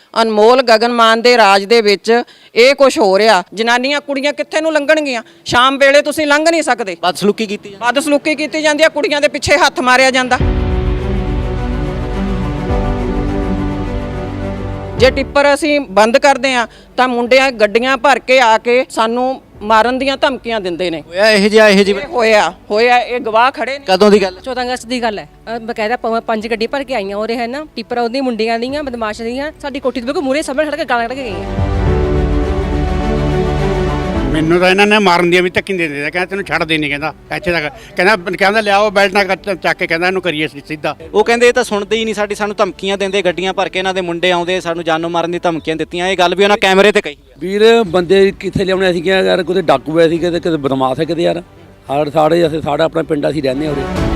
ਅਨਮੋਲ ਗਗਨਮਾਨ ਦੇ ਰਾਜ ਦੇ ਵਿੱਚ ਇਹ ਕੁਝ ਹੋ ਰਿਹਾ। ਜਨਾਨੀਆਂ ਕੁੜੀਆਂ ਕਿੱਥੇ ਨੂੰ ਲੰਘਣਗੀਆਂ? ਸ਼ਾਮ ਵੇਲੇ ਤੁਸੀਂ ਲੰਘ ਨਹੀਂ ਸਕਦੇ। ਬਦਸਲੂਕੀ ਕੀਤੀ ਜਾਂਦੀ ਆ, ਕੁੜੀਆਂ ਦੇ ਪਿੱਛੇ ਹੱਥ ਮਾਰਿਆ ਜਾਂਦਾ। ਜੇ ਟਿੱਪਰ ਅਸੀਂ ਬੰਦ ਕਰਦੇ ਆ ਤਾਂ ਮੁੰਡਿਆਂ ਗੱਡੀਆਂ ਭਰ ਕੇ ਆ ਕੇ ਸਾਨੂੰ ਮਾਰਨ ਦੀਆਂ ਧਮਕੀਆਂ ਦਿੰਦੇ ਨੇ। ਹੋਇਆ ਇਹ ਜਿਹਾ ਹੋਇਆ ਇਹ ਗਵਾਹ ਖੜੇ ਨੇ। ਕਦੋਂ ਦੀ ਗੱਲ? 14 ਅਗਸਤ ਦੀ ਗੱਲ ਹੈ। ਬਕਾਇਦਾ 5 ਗੱਡੀ ਭਰ ਕੇ ਆਈਆਂ ਉਰੇ ਹੈ ਨਾ, ਟਿੱਪਰ ਉਹਦੀਆਂ ਮੁੰਡਿਆਂ ਦੀਆਂ ਬਦਮਾਸ਼ ਦੀਆਂ ਸਾਡੀ ਕੋਠੀ ਦੇ ਬਿਲਕੁਲ ਮੂਹਰੇ ਸਾਹਮਣੇ ਖੜ ਕੇ ਗਾਲਾਂ ਕੱਢ ਕੇ ਗਈਆਂ। ਮੈਨੂੰ ਤਾਂ ਇਹਨਾਂ ਨੇ ਮਾਰਨ ਦੀਆਂ ਵੀ ਧੱਕੀ ਦੇ ਦਿੱਤਾ। ਕਹਿੰਦਾ ਤੈਨੂੰ ਛੱਡ ਦੇ ਨਹੀਂ, ਕਹਿੰਦਾ ਇੱਥੇ ਤੱਕ ਕਹਿੰਦਾ ਲਿਆਓ ਬੈਲਟ ਨਾਲ ਚੱਕ ਕੇ, ਕਹਿੰਦਾ ਇਹਨੂੰ ਕਰੀਏ ਸਿੱਧਾ। ਉਹ ਕਹਿੰਦੇ ਇਹ ਤਾਂ ਸੁਣਦੇ ਹੀ ਨਹੀਂ, ਸਾਨੂੰ ਧਮਕੀਆਂ ਦਿੰਦੇ, ਗੱਡੀਆਂ ਭਰ ਕੇ ਇਹਨਾਂ ਦੇ ਮੁੰਡੇ ਆਉਂਦੇ, ਸਾਨੂੰ ਜਾਨੋਂ ਮਾਰਨ ਦੀ ਧਮਕੀਆਂ ਦਿੱਤੀਆਂ। ਇਹ ਗੱਲ ਵੀ ਉਹਨਾਂ ਕੈਮਰੇ ਤੇ ਕਹੀ। ਵੀਰ ਬੰਦੇ ਕਿੱਥੇ ਲਿਆਉਣੇ? ਅਸੀਂ ਕਿਹਾ ਯਾਰ ਕੋਈ ਡਾਕੂ ਐ ਸੀ, ਕਿਤੇ ਬਦਮਾਸ਼ ਹੈ, ਕਿਤੇ ਯਾਰ ਸਾਡਾ ਆਪਣਾ ਪਿੰਡ ਅਸੀਂ ਰਹਿੰਦੇ ਹਾਂ ਉਰੇ।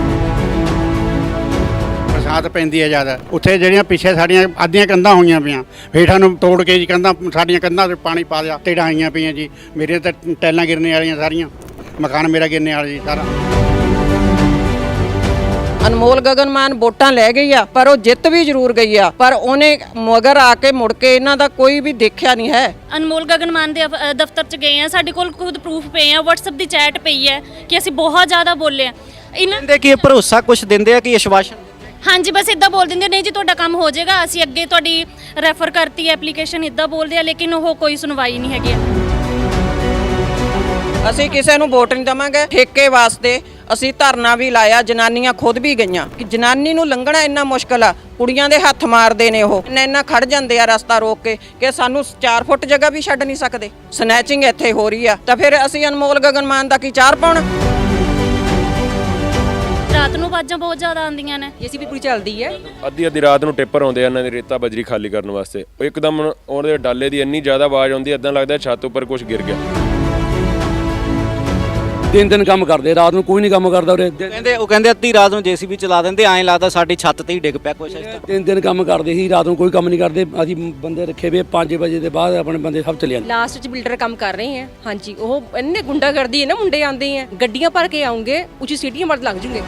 ਬਰਸਾਤ ਪੈਂਦੀ ਹੈ ਜ਼ਿਆਦਾ, ਉੱਥੇ ਜਿਹੜੀਆਂ ਪਿੱਛੇ ਸਾਡੀਆਂ ਅੱਧੀਆਂ ਕੰਧਾਂ ਹੋਈਆਂ ਪਈਆਂ, ਹੇਠਾਂ ਨੂੰ ਤੋੜ ਕੇ ਜੀ ਕੰਧਾਂ, ਸਾਡੀਆਂ ਕੰਧਾਂ 'ਤੇ ਪਾਣੀ ਪਾ ਦਿਆ, ਢੇੜਾਂ ਆਈਆਂ ਪਈਆਂ ਜੀ। ਮੇਰੇ ਤਾਂ ਟੈਲਾਂ ਗਿਰਨੇ ਵਾਲੀਆਂ ਸਾਰੀਆਂ, ਮਕਾਨ ਮੇਰਾ ਗਿਰਨੇ ਵਾਲਾ ਜੀ ਸਾਰਾ। ਅਨਮੋਲ ਗਗਨਮਾਨ ਵੋਟਾਂ ਲੈ ਗਈ ਆ, ਪਰ ਉਹ ਜਿੱਤ ਵੀ ਜ਼ਰੂਰ ਗਈ ਆ, ਪਰ ਉਹਨੇ ਮਗਰ ਆ ਕੇ ਮੁੜ ਕੇ ਇਹਨਾਂ ਦਾ ਕੋਈ ਵੀ ਦੇਖਿਆ ਨਹੀਂ ਹੈ। ਅਨਮੋਲ ਗਗਨਮਾਨ ਦੇ ਦਫ਼ਤਰ 'ਚ ਗਏ ਆ, ਸਾਡੇ ਕੋਲ ਖੁਦ ਪ੍ਰੂਫ ਪਏ ਆ, WhatsApp ਦੀ ਚੈਟ ਪਈ ਹੈ ਕਿ ਅਸੀਂ ਬਹੁਤ ਜ਼ਿਆਦਾ ਬੋਲੇ ਆ। ਇਹਨਾਂ ਕਹਿੰਦੇ ਕਿ ਇਹ ਭਰੋਸਾ ਕੁਝ ਦਿੰਦੇ ਆ ਕਿ ਆਸ਼ਵਾਸਨ? ਹਾਂਜੀ, ਬਸ ਇਦਾਂ ਬੋਲ ਦਿੰਦੇ ਨਹੀਂ ਜੀ ਤੁਹਾਡਾ ਕੰਮ ਹੋ ਜਾਏਗਾ, ਅਸੀਂ ਅੱਗੇ ਤੁਹਾਡੀ ਰੈਫਰ ਕਰਤੀ ਐਪਲੀਕੇਸ਼ਨ, ਇਦਾਂ ਬੋਲਦੇ ਆ, ਲੇਕਿਨ ਉਹ ਕੋਈ ਸੁਣਵਾਈ ਨਹੀਂ ਹੈਗੀ। ਅਸੀਂ ਕਿਸੇ ਨੂੰ ਵੋਟ ਨਹੀਂ ਦੇਵਾਂਗੇ। ਠੇਕੇ ਵਾਸਤੇ ਅਸੀਂ ਧਰਨਾ ਵੀ ਲਾਇਆ, ਜਨਾਨੀਆਂ ਖੁਦ ਵੀ ਗਈਆਂ ਕਿ ਜਨਾਨੀ ਨੂੰ ਲੰਘਣਾ ਇੰਨਾ ਮੁਸ਼ਕਲ ਆ। ਕੁੜੀਆਂ ਦੇ ਹੱਥ ਮਾਰਦੇ ਨੇ, ਉਹ ਇੰਨਾ ਖੜ ਜਾਂਦੇ ਆ ਰਸਤਾ ਰੋਕ ਕੇ ਕਿ ਸਾਨੂੰ 4 ਫੁੱਟ ਜਗ੍ਹਾ ਵੀ ਛੱਡ ਨਹੀਂ ਸਕਦੇ। ਸਨੈਚਿੰਗ ਇੱਥੇ ਹੋ ਰਹੀ ਆ, ਤਾਂ ਫਿਰ ਅਸੀਂ ਅਨਮੋਲ ਗਗਨਮਾਨ ਦਾ ਕੀ ਚਾਰ ਪਾਉਣਾ? ਰਾਤ ਨੂੰ ਆਵਾਜ਼ਾਂ ਬਹੁਤ ਜ਼ਿਆਦਾ ਆਉਂਦੀਆਂ ਨੇ। ਜੀਸੀਬੀ ਪੂਰੀ ਚੱਲਦੀ ਹੈ। ਅੱਧੀ ਰਾਤ ਨੂੰ ਟਿੱਪਰ ਆਉਂਦੇ ਆ ਇਹਨਾਂ ਦੀ ਰੇਤਾ ਬਜਰੀ ਖਾਲੀ ਕਰਨ ਵਾਸਤੇ। ਉਹ ਇੱਕਦਮ ਉਹਦੇ ਡਾਲੇ ਦੀ ਇੰਨੀ ਜ਼ਿਆਦਾ ਆਵਾਜ਼ ਆਉਂਦੀ, ਇਦਾਂ ਲੱਗਦਾ ਛੱਤ ਉੱਪਰ ਕੁਝ ਗਿਰ ਗਿਆ। ਦਿਨ ਕੰਮ ਕਰਦੇ, ਰਾਤ ਨੂੰ ਕੋਈ ਨਹੀਂ ਕੰਮ ਕਰਦਾ ਉਰੇ। ਉਹ ਕਹਿੰਦੇ ਅੱਧੀ ਰਾਤ ਨੂੰ ਜੀਸੀਬੀ ਚਲਾ ਦਿੰਦੇ, ਐਂ ਲੱਗਦਾ ਸਾਡੀ ਛੱਤ ਤੇ ਹੀ ਡਿੱਗ ਪਿਆ ਕੁਛ। ਦਿਨ ਕੰਮ ਕਰਦੇ ਸੀ, ਰਾਤ ਨੂੰ ਕੋਈ ਕੰਮ ਨਹੀਂ ਕਰਦੇ। ਅਸੀਂ ਬੰਦੇ ਰੱਖੇ ਵੇ 5 ਵਜੇ ਦੇ ਬਾਅਦ ਆਪਣੇ ਬੰਦੇ ਸਭ ਚਲੇ ਜਾਂਦੇ। ਲਾਸਟ 'ਚ ਬਿਲਡਰ ਕੰਮ ਕਰ ਰਹੇ ਹੈ। ਹਾਂਜੀ, ਉਹ ਇੰਨੇ ਗੁੰਡਾਗਰਦੀ ਹੈ ਨਾ, ਮੁੰਡੇ ਆਉਂਦੇ ਹੈ, ਗੱਡੀਆਂ ਭਰ ਕੇ ਆਉਂਗੇ, ਉੱਚੀ ਸੀਟੀਆਂ ਮਰਦ ਲੱਗ ਜੂਗੇ।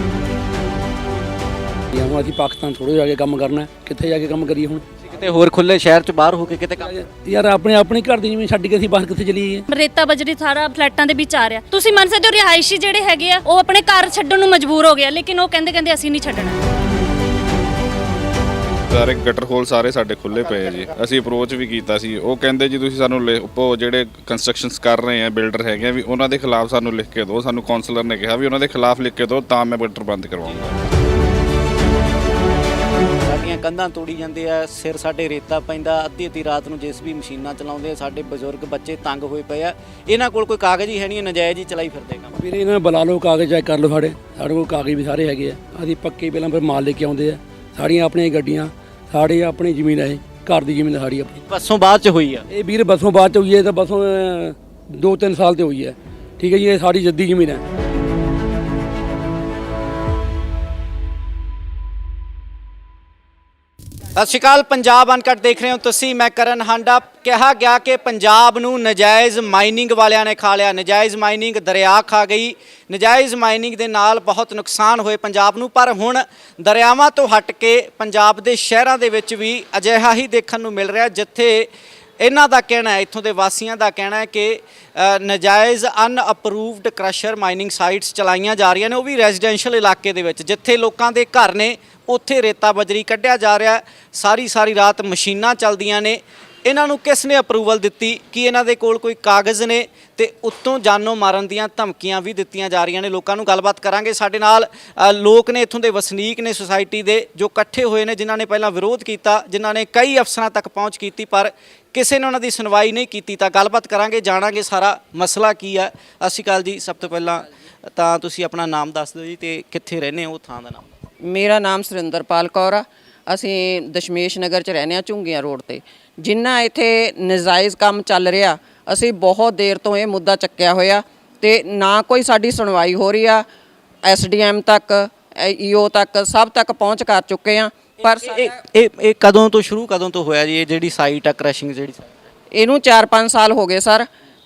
ਹੁਣ ਅਸੀਂ ਪਾਕਿਸਤਾਨ ਥੋੜ੍ਹਾ ਜਾ ਕੇ ਕੰਮ ਕਰਨਾ, ਕਿੱਥੇ ਜਾ ਕੇ ਕੰਮ ਕਰੀਏ ਹੁਣ? ਕਿਤੇ ਹੋਰ ਖੁੱਲੇ ਸ਼ਹਿਰ 'ਚ ਬਾਹਰ ਹੋ ਕੇ ਕਿਤੇ ਕੰਮ? ਯਾਰ ਆਪਣੀ ਘਰ ਦੀ ਜਿਵੇਂ ਛੱਡ ਕੇ ਅਸੀਂ ਬਾਹਰ ਕਿੱਥੇ ਚਲੀਏ? ਰੇਤਾ ਬਜਰੀ ਸਾਰਾ ਫਲੈਟਾਂ ਦੇ ਵਿੱਚ ਆ ਰਿਹਾ। ਤੁਸੀਂ ਮੰਨ ਸਕਦੇ ਹੋ ਰਿਹਾਇਸ਼ੀ ਜਿਹੜੇ ਹੈਗੇ ਆ ਉਹ ਆਪਣੇ ਘਰ ਛੱਡਣ ਨੂੰ ਮਜਬੂਰ ਹੋ ਗਿਆ, ਲੇਕਿਨ ਉਹ ਕਹਿੰਦੇ ਅਸੀਂ ਨਹੀਂ ਛੱਡਣਾ। ਸਾਰੇ ਗਟਰ ਹੋਲ ਸਾਰੇ ਸਾਡੇ ਖੁੱਲੇ ਪਏ ਆ ਜੀ। ਅਸੀਂ ਅਪਰੋਚ ਵੀ ਕੀਤਾ ਸੀ, ਉਹ ਕਹਿੰਦੇ ਜੀ ਤੁਸੀਂ ਸਾਨੂੰ ਜਿਹੜੇ ਕੰਸਟਰਕਸ਼ਨਸ ਕਰ ਰਹੇ ਆ ਬਿਲਡਰ ਹੈਗੇ ਵੀ ਉਹਨਾਂ ਦੇ ਖਿਲਾਫ ਸਾਨੂੰ ਲਿਖ ਕੇ ਦਿਓ। ਸਾਨੂੰ ਕਾਉਂਸਲਰ ਨੇ ਕਿਹਾ ਵੀ ਉਹਨਾਂ ਦੇ ਖਿਲਾਫ ਲਿਖ ਕੇ ਦਿਓ ਤਾਂ ਮੈਂ ਗਟਰ ਬੰਦ ਕਰਵਾਉਂਗਾ। ਸਾਡੀਆਂ ਕੰਧਾਂ ਤੋੜੀ ਜਾਂਦੇ ਆ, ਸਿਰ ਸਾਡੇ ਰੇਤਾ ਪੈਂਦਾ, ਅੱਧੀ ਰਾਤ ਨੂੰ ਜੀਸੀਬੀ ਮਸ਼ੀਨਾਂ ਚਲਾਉਂਦੇ ਆ, ਸਾਡੇ ਬਜ਼ੁਰਗ ਬੱਚੇ ਤੰਗ ਹੋਏ ਪਏ ਆ। ਇਹਨਾਂ ਕੋਲ ਕੋਈ ਕਾਗਜ਼ ਹੀ ਹੈ ਨਹੀਂ, ਨਜਾਇਜ਼ ਹੀ ਚਲਾਈ ਫਿਰਦੇ ਕੰਮ। ਵੀਰੇ ਇਹਨਾਂ ਨੂੰ ਬੁਲਾ ਲਓ, ਕਾਗਜ਼ ਚੈੱਕ ਕਰ ਲਓ। ਸਾਡੇ ਕੋਲ ਕਾਗਜ਼ ਵੀ ਸਾਰੇ ਹੈਗੇ ਆ। ਅਸੀਂ ਪੱਕੇ ਪਹਿਲਾਂ ਫਿਰ ਮਾਲ ਲੈ ਕੇ ਆਉਂਦੇ ਆ। ਸਾਡੀਆਂ ਆਪਣੀਆਂ ਗੱਡੀਆਂ, ਸਾਡੀ ਆਪਣੀ ਜ਼ਮੀਨ ਹੈ, ਘਰ ਦੀ ਜ਼ਮੀਨ ਸਾਡੀ ਆਪਣੀ। ਬੱਸੋਂ ਬਾਅਦ 'ਚ ਹੋਈ ਆ ਇਹ ਵੀਰ, ਬੱਸੋਂ ਬਾਅਦ 'ਚ ਹੋਈ ਹੈ। ਤਾਂ ਬੱਸੋਂ 2-3 ਸਾਲ ਤੇ ਹੋਈ ਹੈ। ਠੀਕ ਹੈ ਜੀ, ਇਹ ਸਾਡੀ ਜੱਦੀ ਜ਼ਮੀਨ ਹੈ। ਸਤਿ ਸ਼੍ਰੀ ਅਕਾਲ, ਪੰਜਾਬ ਅਨਕਟ ਦੇਖ ਰਹੇ ਹੋ ਤੁਸੀਂ। ਮੈਂ ਕਰਨ ਹਾਂਡਾ। ਕਿਹਾ ਗਿਆ ਕਿ ਪੰਜਾਬ ਨੂੰ ਨਜਾਇਜ਼ ਮਾਈਨਿੰਗ ਵਾਲਿਆਂ ਨੇ ਖਾ ਲਿਆ। ਨਜਾਇਜ਼ ਮਾਈਨਿੰਗ ਦਰਿਆ ਖਾ ਗਈ। ਨਜਾਇਜ਼ ਮਾਈਨਿੰਗ ਦੇ ਨਾਲ ਬਹੁਤ ਨੁਕਸਾਨ ਹੋਏ ਪੰਜਾਬ ਨੂੰ। ਪਰ ਹੁਣ ਦਰਿਆਵਾਂ ਤੋਂ ਹਟ ਕੇ ਪੰਜਾਬ ਦੇ ਸ਼ਹਿਰਾਂ ਦੇ ਵਿੱਚ ਵੀ ਅਜਿਹਾ ਹੀ ਦੇਖਣ ਨੂੰ ਮਿਲ ਰਿਹਾ, ਜਿੱਥੇ ਇਹਨਾਂ ਦਾ ਕਹਿਣਾ ਹੈ, ਇੱਥੋਂ ਦੇ ਵਾਸੀਆਂ ਦਾ ਕਹਿਣਾ ਹੈ ਕਿ ਨਜਾਇਜ਼ ਅਨਅਪਰੂਵਡ ਕ੍ਰਸ਼ਰ ਮਾਈਨਿੰਗ ਸਾਈਟਸ ਚਲਾਈਆਂ ਜਾ ਰਹੀਆਂ ਨੇ, ਉਹ ਵੀ ਰੈਜ਼ੀਡੈਂਸ਼ੀਅਲ ਇਲਾਕੇ ਦੇ ਵਿੱਚ, ਜਿੱਥੇ ਲੋਕਾਂ ਦੇ ਘਰ ਨੇ, ਉੱਥੇ ਰੇਤਾ ਬਜਰੀ ਕੱਢਿਆ ਜਾ ਰਿਹਾ। ਸਾਰੀ ਰਾਤ ਮਸ਼ੀਨਾਂ ਚੱਲਦੀਆਂ ਨੇ। ਇਹਨਾਂ ਨੂੰ ਕਿਸ ਨੇ ਅਪਰੂਵਲ ਦਿੱਤੀ? ਕਿ ਇਹਨਾਂ ਦੇ ਕੋਲ ਕੋਈ ਕਾਗਜ਼ ਨੇ? ਤੇ ਉੱਤੋਂ ਜਾਨੋਂ ਮਾਰਨ ਦੀਆਂ ਧਮਕੀਆਂ ਵੀ ਦਿੱਤੀਆਂ ਜਾ ਰਹੀਆਂ ਨੇ ਲੋਕਾਂ ਨੂੰ। ਗੱਲਬਾਤ ਕਰਾਂਗੇ। ਸਾਡੇ ਨਾਲ ਲੋਕ ਨੇ, ਇੱਥੋਂ ਦੇ ਵਸਨੀਕ ਨੇ ਸੁਸਾਇਟੀ ਦੇ, ਜੋ ਇਕੱਠੇ ਹੋਏ ਨੇ, ਜਿਨ੍ਹਾਂ ਨੇ ਪਹਿਲਾਂ ਵਿਰੋਧ ਕੀਤਾ, ਜਿਨ੍ਹਾਂ ਨੇ ਕਈ ਅਫਸਰਾਂ ਤੱਕ ਪਹੁੰਚ ਕੀਤੀ, ਪਰ ਕਿਸੇ ਨੇ ਉਹਨਾਂ ਦੀ ਸੁਣਵਾਈ ਨਹੀਂ ਕੀਤੀ। ਤਾਂ ਗੱਲਬਾਤ ਕਰਾਂਗੇ, ਜਾਣਾਂਗੇ ਸਾਰਾ ਮਸਲਾ ਕੀ ਹੈ। ਸਤਿ ਸ਼੍ਰੀ ਅਕਾਲ ਜੀ। ਸਭ ਤੋਂ ਪਹਿਲਾਂ ਤਾਂ ਤੁਸੀਂ ਆਪਣਾ ਨਾਮ ਦੱਸ ਦਿਓ ਜੀ, ਤੇ ਕਿੱਥੇ ਰਹਿੰਦੇ ਹੋ, ਉਹ ਥਾਂ ਦਾ ਨਾਮ। ਮੇਰਾ ਨਾਮ ਸੁਰਿੰਦਰਪਾਲ ਕੌਰ ਆ। ਅਸੀਂ ਦਸ਼ਮੇਸ਼ ਨਗਰ 'ਚ ਰਹਿੰਦੇ ਹਾਂ, ਝੁੰਗੀਆਂ ਰੋਡ ਤੇ। ਜਿੰਨਾ ਇੱਥੇ ਨਜਾਇਜ਼ ਕੰਮ ਚੱਲ ਰਿਹਾ, ਅਸੀਂ ਬਹੁਤ ਦੇਰ ਤੋਂ ਇਹ ਮੁੱਦਾ ਚੱਕਿਆ ਹੋਇਆ ਤੇ ਨਾ ਕੋਈ ਸਾਡੀ ਸੁਣਵਾਈ ਹੋ ਰਹੀ ਆ। SDM ਤੱਕ, EO ਤੱਕ, ਸਭ ਤੱਕ ਪਹੁੰਚ ਕਰ ਚੁੱਕੇ ਆ। ਪਰ ਇਹ ਕਦੋਂ ਤੋਂ ਹੋਇਆ ਜੀ, ਇਹ ਜਿਹੜੀ ਸਾਈਟ ਆ ਕ੍ਰਸ਼ਿੰਗ ਜਿਹੜੀ? ਇਹਨੂੰ 4-5 ਸਾਲ ਹੋ ਗਏ ਸਰ।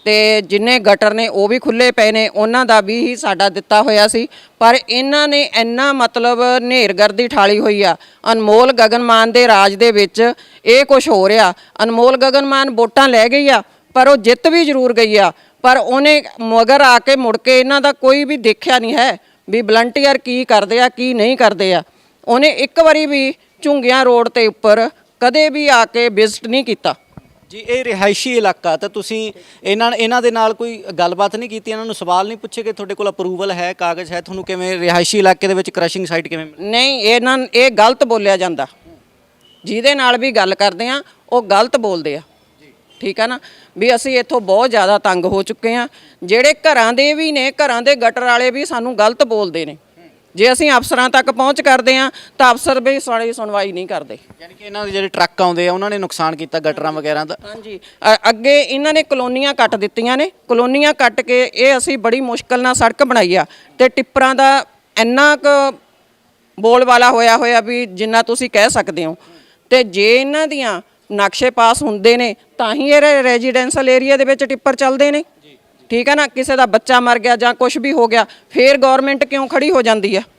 ਤੇ ਜਿੰਨੇ ਗਟਰ ਨੇ ਉਹ ਵੀ ਖੁੱਲੇ ਪਏ ਨੇ, ਉਹਨਾਂ ਦਾ ਵੀ ਹੀ ਸਾਡਾ ਦਿੱਤਾ ਹੋਇਆ ਸੀ। ਪਰ ਇਹਨਾਂ ਨੇ ਇੰਨਾ ਮਤਲਬ ਨੇਰਗਰਦੀ ਠਾਲੀ ਹੋਈ ਆ। ਅਨਮੋਲ ਗਗਨਮਾਨ ਦੇ ਰਾਜ ਦੇ ਵਿੱਚ ਇਹ ਕੁਝ ਹੋ ਰਿਹਾ। ਅਨਮੋਲ ਗਗਨਮਾਨ ਵੋਟਾਂ ਲੈ ਗਈ ਆ, ਪਰ ਉਹ ਜਿੱਤ ਵੀ ਜ਼ਰੂਰ ਗਈ ਆ, ਪਰ ਉਹਨੇ ਮਗਰ ਆ ਕੇ ਮੁੜ ਕੇ ਇਹਨਾਂ ਦਾ ਕੋਈ ਵੀ ਦੇਖਿਆ ਨਹੀਂ ਹੈ ਵੀ ਵਲੰਟੀਅਰ ਕੀ ਕਰਦੇ ਆ ਕੀ ਨਹੀਂ ਕਰਦੇ ਆ। ਉਹਨੇ ਇੱਕ ਵਾਰੀ ਵੀ ਝੁੰਗੀਆਂ ਰੋਡ ਤੇ ਉੱਪਰ ਕਦੇ ਵੀ ਆ ਕੇ ਵਿਜ਼ਿਟ ਨਹੀਂ ਕੀਤਾ ਜੀ। ਇਹ ਰਿਹਾਇਸ਼ੀ ਇਲਾਕਾ, ਤਾਂ ਤੁਸੀਂ ਇਹਨਾਂ ਦੇ ਨਾਲ ਕੋਈ ਗੱਲਬਾਤ ਨਹੀਂ ਕੀਤੀ, ਇਹਨਾਂ ਨੂੰ ਸਵਾਲ ਨਹੀਂ ਪੁੱਛੇ ਕਿ ਤੁਹਾਡੇ ਕੋਲ ਅਪਰੂਵਲ ਹੈ, ਕਾਗਜ਼ ਹੈ, ਤੁਹਾਨੂੰ ਕਿਵੇਂ ਰਿਹਾਇਸ਼ੀ ਇਲਾਕੇ ਦੇ ਵਿੱਚ ਕ੍ਰਸ਼ਿੰਗ ਸਾਈਟ ਕਿਵੇਂ ਮਿਲੀ? ਨਹੀਂ, ਇਹ ਗਲਤ ਬੋਲਿਆ ਜਾਂਦਾ। ਜਿਹਦੇ ਨਾਲ ਵੀ ਗੱਲ ਕਰਦੇ ਆ ਉਹ ਗਲਤ ਬੋਲਦੇ ਆ, ਠੀਕ ਆ ਨਾ। ਵੀ ਅਸੀਂ ਇੱਥੋਂ ਬਹੁਤ ਜ਼ਿਆਦਾ ਤੰਗ ਹੋ ਚੁੱਕੇ ਆ। ਜਿਹੜੇ ਘਰਾਂ ਦੇ ਵੀ ਨੇ, ਘਰਾਂ ਦੇ ਗਟਰ ਵਾਲੇ ਵੀ ਸਾਨੂੰ ਗਲਤ ਬੋਲਦੇ ਨੇ। ਜੇ ਅਸੀਂ ਅਫਸਰਾਂ ਤੱਕ ਪਹੁੰਚ ਕਰਦੇ ਆ ਤਾਂ ਅਫਸਰ ਵੀ ਸਾਡੀ ਸੁਣਵਾਈ ਨਹੀਂ ਕਰਦੇ। ਯਾਨੀ ਕਿ ਇਹਨਾਂ ਦੇ ਜਿਹੜੇ ਟਰੱਕ ਆਉਂਦੇ ਆ ਉਹਨਾਂ ਨੇ ਨੁਕਸਾਨ ਕੀਤਾ ਗਟਰਾਂ ਵਗੈਰਾ ਦਾ। ਹਾਂਜੀ, ਅੱਗੇ ਇਹਨਾਂ ਨੇ ਕਲੋਨੀਆਂ ਕੱਟ ਦਿੱਤੀਆਂ ਨੇ। ਕਲੋਨੀਆਂ ਕੱਟ ਕੇ ਇਹ ਅਸੀਂ ਬੜੀ ਮੁਸ਼ਕਲ ਨਾਲ ਸੜਕ ਬਣਾਈ ਆ, ਤੇ ਟਿੱਪਰਾਂ ਦਾ ਇੰਨਾ ਕੁ ਬੋਲ ਵਾਲਾ ਹੋਇਆ ਵੀ ਜਿੰਨਾ ਤੁਸੀਂ ਕਹਿ ਸਕਦੇ ਹੋ। ਤੇ ਜੇ ਇਹਨਾਂ ਦੀਆਂ ਨਕਸ਼ੇ ਪਾਸ ਹੁੰਦੇ ਨੇ ਤਾਂ ਹੀ ਇਹ ਰੈਜ਼ੀਡੈਂਸ਼ੀਅਲ ਏਰੀਆ ਦੇ ਵਿੱਚ ਟਿੱਪਰ ਚੱਲਦੇ ਨੇ, ਠੀਕ ਹੈ ਨਾ। ਕਿਸੇ ਦਾ ਬੱਚਾ ਮਰ ਗਿਆ ਜਾਂ ਕੁਝ ਵੀ ਹੋ ਗਿਆ, ਫਿਰ ਗਵਰਨਮੈਂਟ ਕਿਉਂ ਖੜੀ ਹੋ ਜਾਂਦੀ ਆ?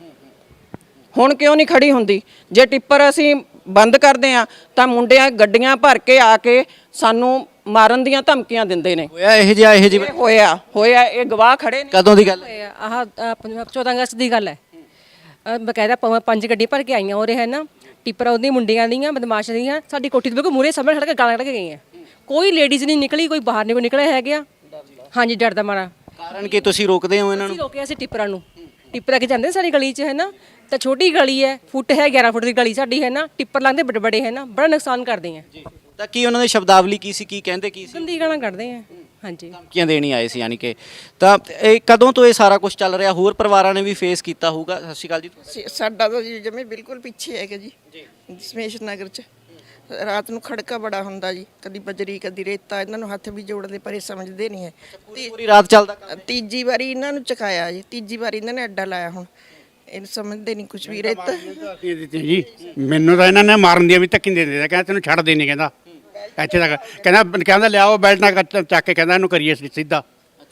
ਹੁਣ ਕਿਉਂ ਨਹੀਂ ਖੜੀ ਹੁੰਦੀ? ਜੇ ਟਿੱਪਰ ਅਸੀਂ ਬੰਦ ਕਰਦੇ ਆ ਤਾਂ ਮੁੰਡਿਆਂ ਗੱਡੀਆਂ ਭਰ ਕੇ ਆ ਕੇ ਸਾਨੂੰ ਮਾਰਨ ਦੀਆਂ ਧਮਕੀਆਂ ਦਿੰਦੇ ਨੇ। ਹੋਇਆ ਇਹ ਜਿਹੀ ਹੋਇਆ ਇਹ ਗਵਾਹ ਖੜੇ ਨੇ। ਕਦੋਂ ਦੀ ਗੱਲ? ਆਹ 14 ਅਗਸਤ ਦੀ ਗੱਲ ਹੈ। ਬਕਾਇਦਾ 5 ਗੱਡੀ ਭਰ ਕੇ ਆਈਆਂ ਉਰੇ ਹੈ ਨਾ, ਟਿੱਪਰ ਉਹਦੀ ਮੁੰਡਿਆਂ ਦੀਆਂ ਬਦਮਾਸ਼ ਦੀਆਂ ਸਾਡੀ ਕੋਠੀ ਦੇ ਬਿਲਕੁਲ ਮੂਹਰੇ ਸਾਹਮਣੇ ਖੜ ਕੇ ਗਾਲਾਂ ਕੱਢ ਕੇ ਗਈਆਂ। ਕੋਈ ਲੇਡੀਜ਼ ਨਹੀਂ ਨਿਕਲੀ, ਕੋਈ ਬਾਹਰ ਨਹੀਂ ਕੋਈ ਨਿਕਲਿਆ ਹੈਗਾ। ਹਾਂਜੀ, ਡਰ ਦਾ ਮਾਰਾ। ਕਾਰਨ ਕਿ ਤੁਸੀਂ ਰੋਕਦੇ ਹੋ ਇਹਨਾਂ ਨੂੰ? ਅਸੀਂ ਰੋਕਿਆ ਸੀ ਟਿੱਪਰਾਂ ਨੂੰ। ਟਿੱਪਰ ਕੇ ਜਾਂਦੇ ਸਾਡੀ ਗਲੀ 'ਚ ਹੈ ਨਾ, ਤਾਂ ਛੋਟੀ ਗਲੀ ਹੈ, ਫੁੱਟ ਹੈ 11 ਫੁੱਟ ਦੀ ਗਲੀ ਸਾਡੀ ਹੈ ਨਾ। ਟਿੱਪਰ ਲਾਉਂਦੇ ਬੜੇ ਬੜੇ ਹੈ ਨਾ, ਬੜਾ ਨੁਕਸਾਨ ਕਰਦੇ ਆ। ਤਾਂ ਕੀ ਉਹਨਾਂ ਦੀ ਸ਼ਬਦਾਵਲੀ ਕੀ ਸੀ, ਕੀ ਕਹਿੰਦੇ ਕੀ ਸੀ? ਗੰਦੀ ਗਾਲਾਂ ਕੱਢਦੇ ਆ। ਹਾਂਜੀ, ਧਮਕੀਆਂ ਦੇਣੀ ਆਏ ਸੀ ਯਾਨੀ ਕਿ। ਤਾਂ ਇਹ ਕਦੋਂ ਤੋਂ ਇਹ ਸਾਰਾ ਕੁਝ ਚੱਲ ਰਿਹਾ? ਹੋਰ ਪਰਿਵਾਰਾਂ ਨੇ ਵੀ ਫੇਸ ਕੀਤਾ ਹੋਊਗਾ। ਸਤਿ ਸ਼੍ਰੀ ਅਕਾਲ ਜੀ। ਸਾਡਾ ਤਾਂ ਜੀ ਜਮੇ ਬਿਲਕੁਲ ਪਿੱਛੇ ਹੈਗਾ ਜੀ, ਦਸ਼ਮੇਸ਼ ਨਗਰ ਚ ਰਾਤ ਨੂੰ ਖੜਕਾ ਬੜਾ ਹੁੰਦਾ ਜੀ, ਕਦੀ ਬਜਰੀ ਕਦੀ ਰੇਤਾ। ਇਹਨਾਂ ਨੂੰ ਹੱਥ ਵੀ ਜੋੜਦੇ ਪਰ ਇਹ ਸਮਝਦੇ ਨਹੀਂ ਹੈ। ਪੂਰੀ ਰਾਤ ਚੱਲਦਾ ਕੰਮ? ਤੀਜੀ ਵਾਰੀ ਇਹਨਾਂ ਨੂੰ ਚਕਾਇਆ ਜੀ, ਤੀਜੀ ਵਾਰੀ ਇਹਨਾਂ ਨੇ ਅੱਡਾ ਲਾਇਆ। ਹੁਣ ਇਹ ਸਮਝਦੇ ਨਹੀਂ ਕੁਝ ਵੀ। ਰੇਤਾ ਜੀ ਮੈਨੂੰ ਤਾਂ ਇਹਨਾਂ ਨੇ ਮਾਰਨ ਦੀਆਂ ਵੀ ਧੱਕੀ ਦੇ ਦਿੰਦੇ, ਕਹਿੰਦਾ ਤੈਨੂੰ ਛੱਡ ਦੇ ਨਹੀਂ, ਕਹਿੰਦਾ ਇੱਥੇ ਤੱਕ ਕਹਿੰਦਾ ਲਿਆਓ ਬੈਲਟ ਨਾਲ ਚੱਕ ਕੇ, ਕਹਿੰਦਾ ਇਹਨੂੰ ਕਰੀਏ ਸਿੱਧਾ।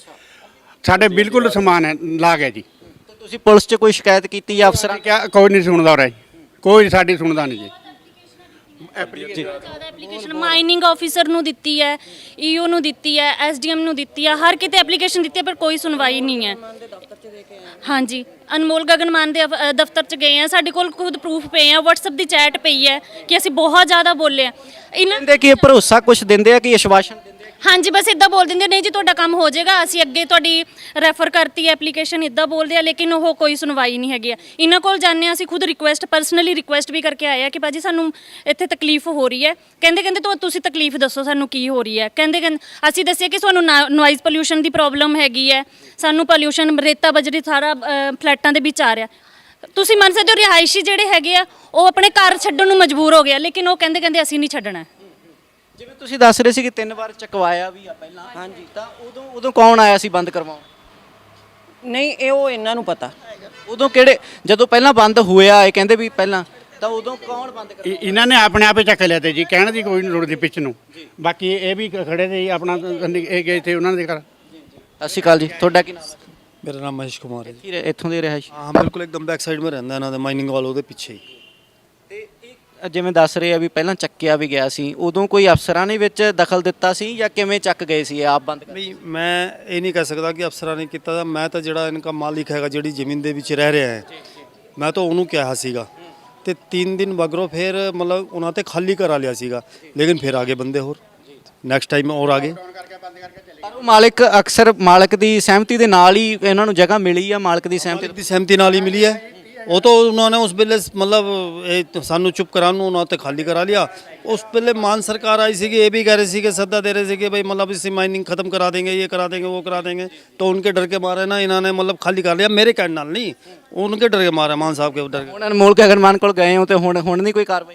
ਸਾਡੇ ਬਿਲਕੁਲ ਸਮਾਨ ਹੈ ਲਾ ਗਿਆ ਜੀ। ਤੁਸੀਂ ਪੁਲਿਸ 'ਚ ਕੋਈ ਸ਼ਿਕਾਇਤ ਕੀਤੀ ਜਾਂ ਅਫਸਰਾਂ? ਕਿਹਾ ਕੋਈ ਨਹੀਂ ਸੁਣਦਾ ਉਰੇ, ਕੋਈ ਸਾਡੀ ਸੁਣਦਾ ਨਹੀਂ ਜੀ। ਜ਼ਿਆਦਾ ਐਪਲੀਕੇਸ਼ਨ ਮਾਈਨਿੰਗ ਆਫੀਸਰ ਨੂੰ ਦਿੱਤੀ ਹੈ, ਈਓ ਨੂੰ ਦਿੱਤੀ ਹੈ, ਐਸਡੀਐਮ ਨੂੰ ਦਿੱਤੀ ਹੈ, ਹਰ ਕਿਤੇ ਐਪਲੀਕੇਸ਼ਨ ਦਿੱਤੀ ਹੈ ਪਰ ਕੋਈ ਸੁਣਵਾਈ ਨਹੀਂ ਹੈ। ਹਾਂਜੀ, ਅਨਮੋਲ ਗਗਨਮਾਨ ਦੇ ਦਫ਼ਤਰ 'ਚ ਗਏ ਆ, ਸਾਡੇ ਕੋਲ ਖੁਦ ਪ੍ਰੂਫ ਪਏ ਆ, WhatsApp ਦੀ ਚੈਟ ਪਈ ਹੈ ਕਿ ਅਸੀਂ ਬਹੁਤ ਜ਼ਿਆਦਾ ਬੋਲੇ ਆ। ਇਹਨਾਂ ਕਹਿੰਦੇ ਕਿ ਇਹ ਭਰੋਸਾ ਕੁਝ ਦਿੰਦੇ ਆ ਕਿ ਆਸ਼ਵਾਸਨ ਦਿੰਦੇ ਆ? ਹਾਂਜੀ, ਬਸ ਇਦਾਂ ਬੋਲ ਦਿੰਦੇ ਨਹੀਂ ਜੀ ਤੁਹਾਡਾ ਕੰਮ ਹੋ ਜਾਏਗਾ, ਅਸੀਂ ਅੱਗੇ ਤੁਹਾਡੀ ਰੈਫਰ ਕਰਤੀ ਹੈ ਐਪਲੀਕੇਸ਼ਨ, ਇਦਾਂ ਬੋਲਦੇ ਆ। ਲੇਕਿਨ ਉਹ ਕੋਈ ਸੁਣਵਾਈ ਨਹੀਂ ਹੈਗੀ ਆ। ਇਹਨਾਂ ਕੋਲ ਜਾਂਦੇ ਆ, ਅਸੀਂ ਖੁਦ ਰਿਕੁਐਸਟ ਪਰਸਨਲੀ ਰਿਕੁਐਸਟ ਵੀ ਕਰਕੇ ਆਏ ਆ ਕਿ ਭਾਜੀ ਸਾਨੂੰ ਇੱਥੇ ਤਕਲੀਫ ਹੋ ਰਹੀ ਹੈ। ਕਹਿੰਦੇ ਤੁਸੀਂ ਤਕਲੀਫ ਦੱਸੋ ਸਾਨੂੰ ਕੀ ਹੋ ਰਹੀ ਹੈ। ਕਹਿੰਦੇ ਅਸੀਂ ਦੱਸਿਆ ਕਿ ਸਾਨੂੰ ਨੋਇਜ਼ ਪੋਲਿਊਸ਼ਨ ਦੀ ਪ੍ਰੋਬਲਮ ਹੈਗੀ ਹੈ, ਸਾਨੂੰ ਪੋਲਿਊਸ਼ਨ ਰੇਤਾ ਬਜਰੀ ਸਾਰਾ ਫਲੈਟਾਂ ਦੇ ਵਿੱਚ ਆ ਰਿਹਾ। ਤੁਸੀਂ ਮੰਨ ਸਕਦੇ ਹੋ ਰਿਹਾਇਸ਼ੀ ਜਿਹੜੇ ਹੈਗੇ ਆ ਉਹ ਆਪਣੇ ਘਰ ਛੱਡਣ ਨੂੰ ਮਜਬੂਰ ਹੋ ਗਿਆ, ਲੇਕਿਨ ਉਹ ਕਹਿੰਦੇ ਅਸੀਂ ਨਹੀਂ ਛੱਡਣਾ। ਜਿਵੇਂ ਤੁਸੀਂ ਦੱਸ ਰਹੇ ਸੀ ਕਿ 3 ਵਾਰ ਚਕਵਾਇਆ ਵੀ ਆ ਪਹਿਲਾਂ। ਹਾਂਜੀ, ਤਾਂ ਉਦੋਂ ਕੌਣ ਆਇਆ ਸੀ ਬੰਦ ਕਰਵਾਉਣ? ਨਹੀਂ, ਉਹ ਇਹਨਾਂ ਨੂੰ ਪਤਾ। ਉਦੋਂ ਕਿਹੜੇ, ਜਦੋਂ ਪਹਿਲਾਂ ਬੰਦ ਹੋਇਆ ਇਹ ਕਹਿੰਦੇ ਵੀ ਪਹਿਲਾਂ, ਤਾਂ ਉਦੋਂ ਕੌਣ ਬੰਦ ਕਰਵਾਇਆ? ਇਹਨਾਂ ਨੇ ਆਪਣੇ ਆਪੇ ਚੱਕ ਲਿਆ ਤੇ ਜੀ, ਕਹਿਣ ਦੀ ਕੋਈ ਨਹੀਂ ਲੋੜ ਦੀ ਪਿੱਛ ਨੂੰ। ਬਾਕੀ ਇਹ ਵੀ ਖੜੇ ਤੇ ਆਪਣਾ ਇਹ ਗਏ ਤੇ ਉਹਨਾਂ ਦੇ ਘਰ। ਸਤਿ ਸ਼੍ਰੀ ਅਕਾਲ ਜੀ, ਤੁਹਾਡਾ ਕੀ ਨਾਮ? ਮੇਰਾ ਨਾਮ ਮਹੇਸ਼ ਕੁਮਾਰ ਹੈ। ਇੱਥੋਂ ਦੇ ਰਿਹਾਇਸ਼? ਹਾਂ, ਬਿਲਕੁਲ ਇੱਕਦਮ ਬੈਕ ਸਾਈਡ ਮੈਂ ਰਹਿੰਦਾ ਇਹਨਾਂ ਦੇ, ਮਾਈਨਿੰਗ ਵਾਲ ਉਹਦੇ ਪਿੱਛੇ ਹੀ। ਤੇ ਇਹ ਜਿਵੇਂ ਦੱਸ ਰਹੇ ਆ ਵੀ ਪਹਿਲਾਂ ਚੱਕਿਆ ਵੀ ਗਿਆ ਸੀ, ਉਦੋਂ ਕੋਈ ਅਫਸਰਾਂ ਨੇ ਵਿੱਚ ਦਖਲ ਦਿੱਤਾ ਸੀ ਜਾਂ ਕਿਵੇਂ ਚੱਕ ਗਏ ਸੀ ਆਪ ਬੰਦ? ਨਹੀਂ, ਮੈਂ ਇਹ ਨਹੀਂ ਕਹਿ ਸਕਦਾ ਕਿ ਅਫਸਰਾਂ ਨੇ ਕੀਤਾ ਤਾਂ। ਮੈਂ ਤਾਂ ਜਿਹੜਾ ਇਨਕਾ ਮਾਲਿਕ ਹੈਗਾ, ਜਿਹੜੀ ਜ਼ਮੀਨ ਦੇ ਵਿੱਚ ਰਹਿ ਰਿਹਾ ਹੈ, ਮੈਂ ਤਾਂ ਉਹਨੂੰ ਕਿਹਾ ਸੀਗਾ। ਤੇ 3 ਦਿਨ ਮਗਰੋਂ ਫਿਰ ਮਤਲਬ ਉਹਨਾਂ ਤੇ ਖਾਲੀ ਕਰਾ ਲਿਆ ਸੀਗਾ, ਲੇਕਿਨ ਫਿਰ ਆਗੇ ਬੰਦੇ ਹੋਰ ਨੈਕਸਟ ਟਾਈਮ ਔਰ ਆਗੇ। ਪਰ ਉਹ ਮਾਲਕ ਅਕਸਰ ਮਾਲਕ ਦੀ ਸਹਿਮਤੀ ਦੇ ਨਾਲ ਹੀ ਇਹਨਾਂ ਨੂੰ ਜਗ੍ਹਾ ਮਿਲੀ ਆ, ਮਾਲਕ ਦੀ ਸਹਿਮਤੀ ਨਾਲ ਹੀ ਮਿਲੀ ਹੈ। ਉਹ ਤਾਂ ਉਹਨਾਂ ਨੇ ਉਸ ਵੇਲੇ ਮਤਲਬ ਇਹ ਸਾਨੂੰ ਚੁੱਪ ਕਰਾਉਣ ਨੂੰ ਉਹਨਾਂ ਤੇ ਖਾਲੀ ਕਰਾ ਲਿਆ। ਉਸ ਵੇਲੇ ਮਾਨ ਸਰਕਾਰ ਆਈ ਸੀਗੀ, ਇਹ ਵੀ ਕਹਿ ਰਹੇ ਸੀ ਕਿ ਸੱਦਾ ਦੇ ਰਹੇ ਸੀ ਕਿ ਭਾਈ मतलब इसी माइनिंग खत्म करा देंगे, ये करा देंगे, वो करा देंगे। तो उनके डर के मारे ना इन्होंने मतलब खाली कर लिया, मेरे कहने नाल नहीं, उनके डर के मारे, मान साहब के डर के। ਹੁਣ ਅਨਮੋਲ ਗਗਨਮਾਨ ਕੋਲ ਗਏ ਹੋ ਤੇ ਹੁਣ ਨਹੀਂ ਕੋਈ ਕਾਰਵਾਈ?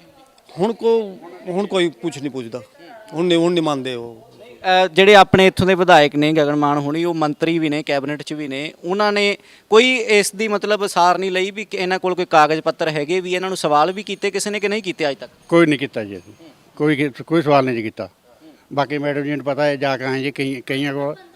ਹੁਣ ਕੋਈ ਕੁਝ ਨਹੀਂ ਪੁੱਛਦਾ, ਹੁਣ ਨਹੀਂ ਮੰਨਦੇ ਉਹ। ਜਿਹੜੇ ਆਪਣੇ ਇੱਥੋਂ ਦੇ ਵਿਧਾਇਕ ਨੇ ਗਗਨਮਾਨ ਹੋਣੀ, ਉਹ ਮੰਤਰੀ ਵੀ ਨੇ, ਕੈਬਨਿਟ 'ਚ ਵੀ ਨੇ, ਉਹਨਾਂ ਨੇ ਕੋਈ ਇਸ ਦੀ ਮਤਲਬ ਸਾਰ ਨਹੀਂ ਲਈ ਵੀ ਇਹਨਾਂ ਕੋਲ ਕੋਈ ਕਾਗਜ਼ ਪੱਤਰ ਹੈਗੇ ਵੀ? ਇਹਨਾਂ ਨੂੰ ਸਵਾਲ ਵੀ ਕੀਤੇ ਕਿਸੇ ਨੇ ਕਿ ਨਹੀਂ ਕੀਤੇ ਅੱਜ ਤੱਕ? ਕੋਈ ਨਹੀਂ ਕੀਤਾ ਜੀ, ਅਸੀਂ ਕੋਈ ਸਵਾਲ ਨਹੀਂ ਜੀ ਕੀਤਾ। ਬਾਕੀ ਮੈਡਮ ਜੀ ਨੂੰ ਪਤਾ ਹੈ, ਜਾ ਕੇ ਆਏ ਜੀ ਕਈਆਂ ਕੋਲ